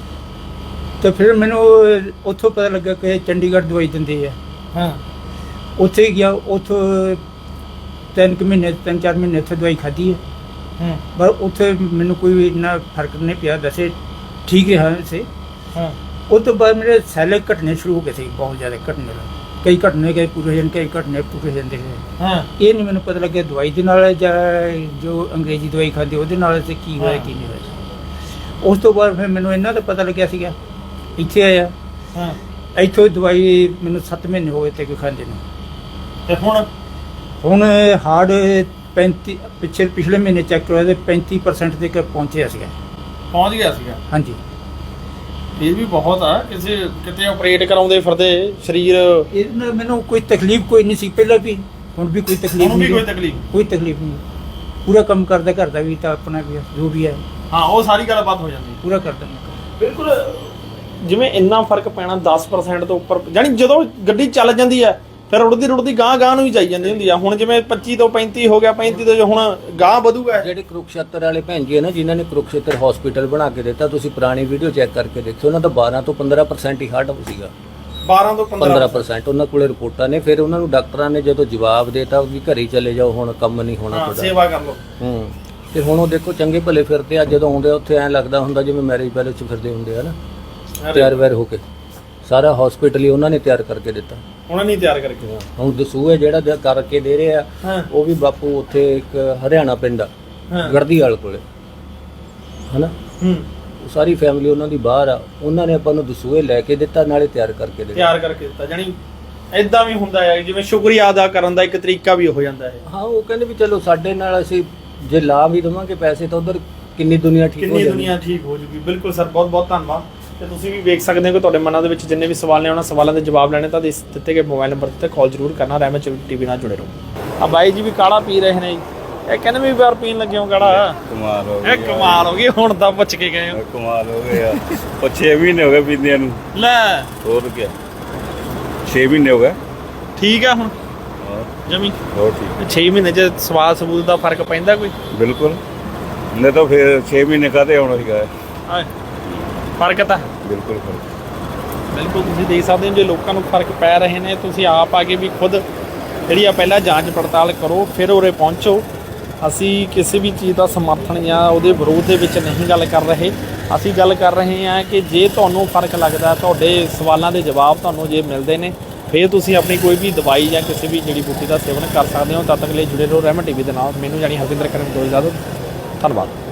ਤੇ ਫਿਰ ਮੈਨੂੰ ਉੱਥੋਂ ਪਤਾ ਲੱਗਾ ਕਿ ਚੰਡੀਗੜ੍ਹ ਦਵਾਈ ਦਿੰਦੇ ਆ। ਹਾਂ, ਉੱਥੇ ਗਿਆ, ਉੱਥੋਂ ਤਿੰਨ ਕੁ ਮਹੀਨੇ ਤਿੰਨ ਚਾਰ ਮਹੀਨੇ ਉੱਥੇ ਦਵਾਈ ਖਾਧੀ ਹੈ। ਹੂੰ, ਪਰ ਉੱਥੇ ਮੈਨੂੰ ਕੋਈ ਇੰਨਾ ਫਰਕ ਨਹੀਂ ਪਿਆ, ਵੈਸੇ ਠੀਕ ਰਿਹਾ ਵੈਸੇ। ਹਾਂ, ਉਸ ਤੋਂ ਬਾਅਦ ਮੇਰੇ ਸੈੱਲ ਘਟਨੇ ਸ਼ੁਰੂ ਹੋ ਗਏ ਸੀ, ਬਹੁਤ ਜ਼ਿਆਦਾ ਘਟਨੇ ਲੱਗੇ। ਕਈ ਘਟਨੇ ਗਏ ਪੂਰੇ ਜਾਂਦੇ, ਕਈ ਘਟਨੇ ਪੂਰੇ ਜਾਂਦੇ ਗਏ। ਹਾਂ, ਇਹ ਨਹੀਂ ਮੈਨੂੰ ਪਤਾ ਲੱਗਿਆ ਦਵਾਈ ਦੇ ਨਾਲ ਜਾਂ ਜੋ ਅੰਗਰੇਜ਼ੀ ਦਵਾਈ ਖਾਂਦੀ ਉਹਦੇ ਨਾਲ ਤੇ ਕੀ ਹੋਇਆ ਕੀ ਨਹੀਂ ਹੋਇਆ। ਉਸ ਤੋਂ ਬਾਅਦ ਫਿਰ ਮੈਨੂੰ ਇਹਨਾਂ ਦਾ ਪਤਾ ਲੱਗਿਆ ਸੀਗਾ, ਇੱਥੇ ਆਇਆ। ਹਾਂ, ਇੱਥੋਂ ਦਵਾਈ ਮੈਨੂੰ ਸੱਤ ਮਹੀਨੇ ਹੋ ਗਏ ਤੇ ਕੋਈ ਖਾਂਦੇ ਨੂੰ। ਤੇ ਹੁਣ ਹੁਣ ਹਾਰਡ ਪੈਂਤੀ ਪਿਛਲੇ ਪਿਛਲੇ ਮਹੀਨੇ ਚੈੱਕ ਕਰਵਾਇਆ ਤੇ ਪੈਂਤੀ ਪਰਸੈਂਟ ਤੱਕ ਪਹੁੰਚਿਆ ਸੀਗਾ। ਪਹੁੰਚ ਗਿਆ ਸੀਗਾ? ਹਾਂਜੀ। ਇਹ ਵੀ ਬਹੁਤ ਆ, ਕਿਸੇ ਕਿਤੇ ਆਪਰੇਟ ਕਰਾਉਂਦੇ ਫਿਰਦੇ ਸਰੀਰ। ਇਹਦੇ ਨਾਲ ਮੈਨੂੰ ਕੋਈ ਤਕਲੀਫ ਕੋਈ ਨਹੀਂ ਸੀ ਪਹਿਲਾਂ ਵੀ, ਹੁਣ ਵੀ ਕੋਈ ਤਕਲੀਫ ਹੁਣ ਵੀ ਨਹੀਂ। ਕੋਈ ਤਕਲੀਫ? ਕੋਈ ਤਕਲੀਫ ਨਹੀਂ, ਪੂਰਾ ਕੰਮ ਕਰਦਾ, ਘਰ ਦਾ ਵੀ ਤਾਂ ਆਪਣਾ ਵੀ ਜੋ ਵੀ ਹੈ ਹਾਂ, ਉਹ ਸਾਰੀ ਗੱਲਬਾਤ ਹੋ ਜਾਂਦੀ। ਪੂਰਾ ਕਰਦਾ ਮੈਂ। ਬਿਲਕੁਲ, ਜਿਵੇਂ ਇੰਨਾ ਫਰਕ ਪੈਣਾ ਦਸ ਪਰਸੈਂਟ ਤੋਂ ਉੱਪਰ, ਜਾਨੀ ਜਦੋਂ ਗੱਡੀ ਚੱਲ ਜਾਂਦੀ ਹੈ ਫਿਰ ਉੜਦੀ ਰੁੜਦੀ ਗਾਂ ਗਾਂ ਨੂੰ ਹੀ ਜਾਈ ਜਾਂਦੀ ਹੁੰਦੀ ਆ। ਹੁਣ ਜਿਵੇਂ ਪੱਚੀ ਤੋਂ ਪੈਂਤੀ ਹੋ ਗਿਆ, ਪੈਂਤੀ ਤੋਂ ਹੁਣ ਗਾਂ ਵਧੂਗਾ। ਜਿਹੜੇ ਕੁਰੂਕਸ਼ੇਤਰ ਵਾਲੇ ਭੈਣ ਜੀ ਹੈ ਨਾ, ਜਿਨ੍ਹਾਂ ਨੇ ਕੁਰੂਕਸ਼ੇਤਰ ਹਸਪੀਟਲ ਬਣਾ ਕੇ ਦਿੱਤਾ, ਤੁਸੀਂ ਪੁਰਾਣੀ ਵੀਡੀਓ ਚੈੱਕ ਕਰਕੇ ਦੇਖੋ, ਉਹਨਾਂ ਦਾ ਬਾਰਾਂ ਤੋਂ ਪੰਦਰਾਂ ਪਰਸੈਂਟ ਹੀ ਹਾਰਟ ਸੀਗਾ। ਬਾਰਾਂ ਤੋਂ ਪੰਦਰਾਂ ਪੰਦਰਾਂ ਪਰਸੈਂਟ ਉਹਨਾਂ ਕੋਲੇ ਰਿਪੋਰਟਾਂ ਨੇ। ਫਿਰ ਉਹਨਾਂ ਨੂੰ ਡਾਕਟਰਾਂ ਨੇ ਜਦੋਂ ਜਵਾਬ ਦੇਤਾ ਵੀ ਘਰੇ ਚਲੇ ਜਾਓ, ਹੁਣ ਕੰਮ ਨਹੀਂ ਹੋਣਾ ਹਾਂ, ਤੁਹਾਡਾ, ਸੇਵਾ ਕਰ ਲਓ। ਹੂੰ। ਤੇ ਹੁਣ ਉਹ ਦੇਖੋ ਚੰਗੇ ਭਲੇ ਫਿਰਦੇ ਆ, ਜਦੋਂ ਆਉਂਦੇ ਉੱਥੇ ਐਂ ਲੱਗਦਾ ਹੁੰਦਾ ਜਿਵੇਂ ਮੈਰਿਜ ਪੈਲੇਸ 'ਚ ਫਿਰਦੇ ਹੁੰਦੇ ਆ ਨਾ, ਤਿਆਰ ਵੈਰ ਹੋ ਕੇ। ਸਾਰਾ ਹਸਪੀਟਲ ਹੀ ਉਹਨਾਂ ਨੇ ਤਿਆਰ ਕਰਕੇ ਦਿੱਤਾ। ਉਹਨਾਂ ਨੇ ਤਿਆਰ ਕਰਕੇ। ਹੁਣ ਦਸੂਹੇ ਜਿਹੜਾ ਦੇ ਕਰਕੇ ਦੇ ਰਹੇ ਆ, ਉਹ ਵੀ ਬਾਪੂ ਉੱਥੇ ਇੱਕ ਹਰਿਆਣਾ ਪਿੰਡ ਆ ਗੜਦੀਵਾਲ ਕੋਲੇ, ਹਨਾ। ਹੂੰ, ਸਾਰੀ ਫੈਮਿਲੀ ਉਹਨਾਂ ਦੀ ਬਾਹਰ ਆ, ਉਹਨਾਂ ਨੇ ਆਪਾਂ ਨੂੰ ਦਸੂਹੇ ਲੈ ਕੇ ਦਿੱਤਾ, ਨਾਲੇ ਤਿਆਰ ਕਰਕੇ ਦਿੱਤਾ। ਤਿਆਰ ਕਰਕੇ ਦਿੱਤਾ, ਜਾਨੀ ਇਦਾਂ ਵੀ ਹੁੰਦਾ ਹੈ ਜਿਵੇਂ ਸ਼ੁਕਰੀਆ ਅਦਾ ਕਰਨ ਦਾ ਇੱਕ ਤਰੀਕਾ ਵੀ ਹੋ ਜਾਂਦਾ ਹੈ। ਹਾਂ, ਉਹ ਕਹਿੰਦੇ ਵੀ ਚਲੋ ਸਾਡੇ ਨਾਲ ਅਸੀਂ ਜੇ ਲਾ ਵੀ ਦੇਵਾਂਗੇ ਪੈਸੇ ਤਾਂ ਉਧਰ ਕਿੰਨੀ ਦੁਨੀਆ ਠੀਕ ਹੋ ਕਿੰਨੀ ਜਾਣੀ। ਦੁਨੀਆ ਠੀਕ ਹੋ ਜੂਗੀ। ਬਿਲਕੁਲ ਸਰ, ਬਹੁਤ ਬਹੁਤ ਧੰਨਵਾਦ। ਤੇ ਤੁਸੀਂ ਵੀ ਵੇਖ ਸਕਦੇ ਹੋ ਕਿ ਤੁਹਾਡੇ ਮਨਾਂ ਦੇ ਵਿੱਚ ਜਿੰਨੇ ਵੀ ਸਵਾਲ ਨੇ ਉਹਨਾਂ ਸਵਾਲਾਂ ਦੇ ਜਵਾਬ ਲੈਣੇ ਤਾਂ ਇਸ ਦਿੱਤੇ ਗਏ ਮੋਬਾਈਲ ਨੰਬਰ ਤੇ ਕਾਲ ਜ਼ਰੂਰ ਕਰਨਾ। ਰਹਿਮਤ ਟੀਵੀ ਨਾਲ ਜੁੜੇ ਰਹੋ। ਆ ਬਾਈ ਜੀ ਵੀ ਕਾੜਾ ਪੀ ਰਹੇ ਨੇ ਜੀ, ਇਹ ਕਹਿੰਦੇ ਵੀ ਵਾਰ ਪੀਣ ਲੱਗੇ ਹੋ ਕਾੜਾ। ਕਮਾਲ ਹੋ ਇਹ ਕਮਾਲ ਹੋ ਗਈ, ਹੁਣ ਤਾਂ ਪੁੱਛ ਕੇ ਗਏ ਹੋ। ਕਮਾਲ ਹੋ ਗਿਆ ਉਹ ਛੇ ਮਹੀਨੇ ਹੋ ਗਏ ਪੀਂਦਿਆਂ ਨੂੰ। ਲੈ ਹੋਰ ਕੀ ਛੇ ਮਹੀਨੇ ਹੋ ਗਏ। ਠੀਕ ਆ ਹੁਣ ਜਮੀ ਹੋਰ ਠੀਕ ਛੇ ਮਹੀਨੇ ਚ ਸਵਾਦ ਸਬੂਤ ਦਾ ਫਰਕ ਪੈਂਦਾ ਕੋਈ? ਬਿਲਕੁਲ, ਨਹੀਂ ਤਾਂ ਫਿਰ ਛੇ ਮਹੀਨੇ ਕਾਹਦੇ ਆਉਣਾ ਸੀਗਾ। ਹਾਂ ਫਰਕ ਤਾਂ ਬਿਲਕੁਲ ਫਰਕ। ਬਿਲਕੁਲ ਤੁਸੀਂ ਦੇਖ ਸਕਦੇ ਹੋ ਜੇ ਲੋਕਾਂ ਨੂੰ ਫਰਕ ਪੈ ਰਹੇ ਨੇ, ਤੁਸੀਂ ਆਪ ਆ ਕੇ ਵੀ ਖੁਦ ਜਿਹੜੀ ਆ ਪਹਿਲਾਂ ਜਾਂਚ ਪੜਤਾਲ ਕਰੋ ਫਿਰ ਉਰੇ ਪਹੁੰਚੋ। ਅਸੀਂ ਕਿਸੇ ਵੀ ਚੀਜ਼ ਦਾ ਸਮਰਥਨ ਜਾਂ ਉਹਦੇ ਵਿਰੋਧ ਦੇ ਵਿੱਚ ਨਹੀਂ ਗੱਲ ਕਰ ਰਹੇ। ਅਸੀਂ ਗੱਲ ਕਰ ਰਹੇ ਹਾਂ ਕਿ ਜੇ ਤੁਹਾਨੂੰ ਫਰਕ ਲੱਗਦਾ, ਤੁਹਾਡੇ ਸਵਾਲਾਂ ਦੇ ਜਵਾਬ ਤੁਹਾਨੂੰ ਜੇ ਮਿਲਦੇ ਨੇ, ਫਿਰ ਤੁਸੀਂ ਆਪਣੀ ਕੋਈ ਵੀ ਦਵਾਈ ਜਾਂ ਕਿਸੇ ਵੀ ਜੜੀ ਬੂਟੀ ਦਾ ਸੇਵਨ ਕਰ ਸਕਦੇ ਹੋ। ਤਦ ਤੱਕ ਲਈ ਜੁੜੇ ਰਹੋ ਰਹਿਮਤ ਟੀਵੀ ਦੇ ਨਾਲ। ਮੈਨੂੰ ਜਾਨੀ ਹਰਵਿੰਦਰ ਕਰਨ ਦੋ ਇਜਾਜ਼ਤ। ਧੰਨਵਾਦ।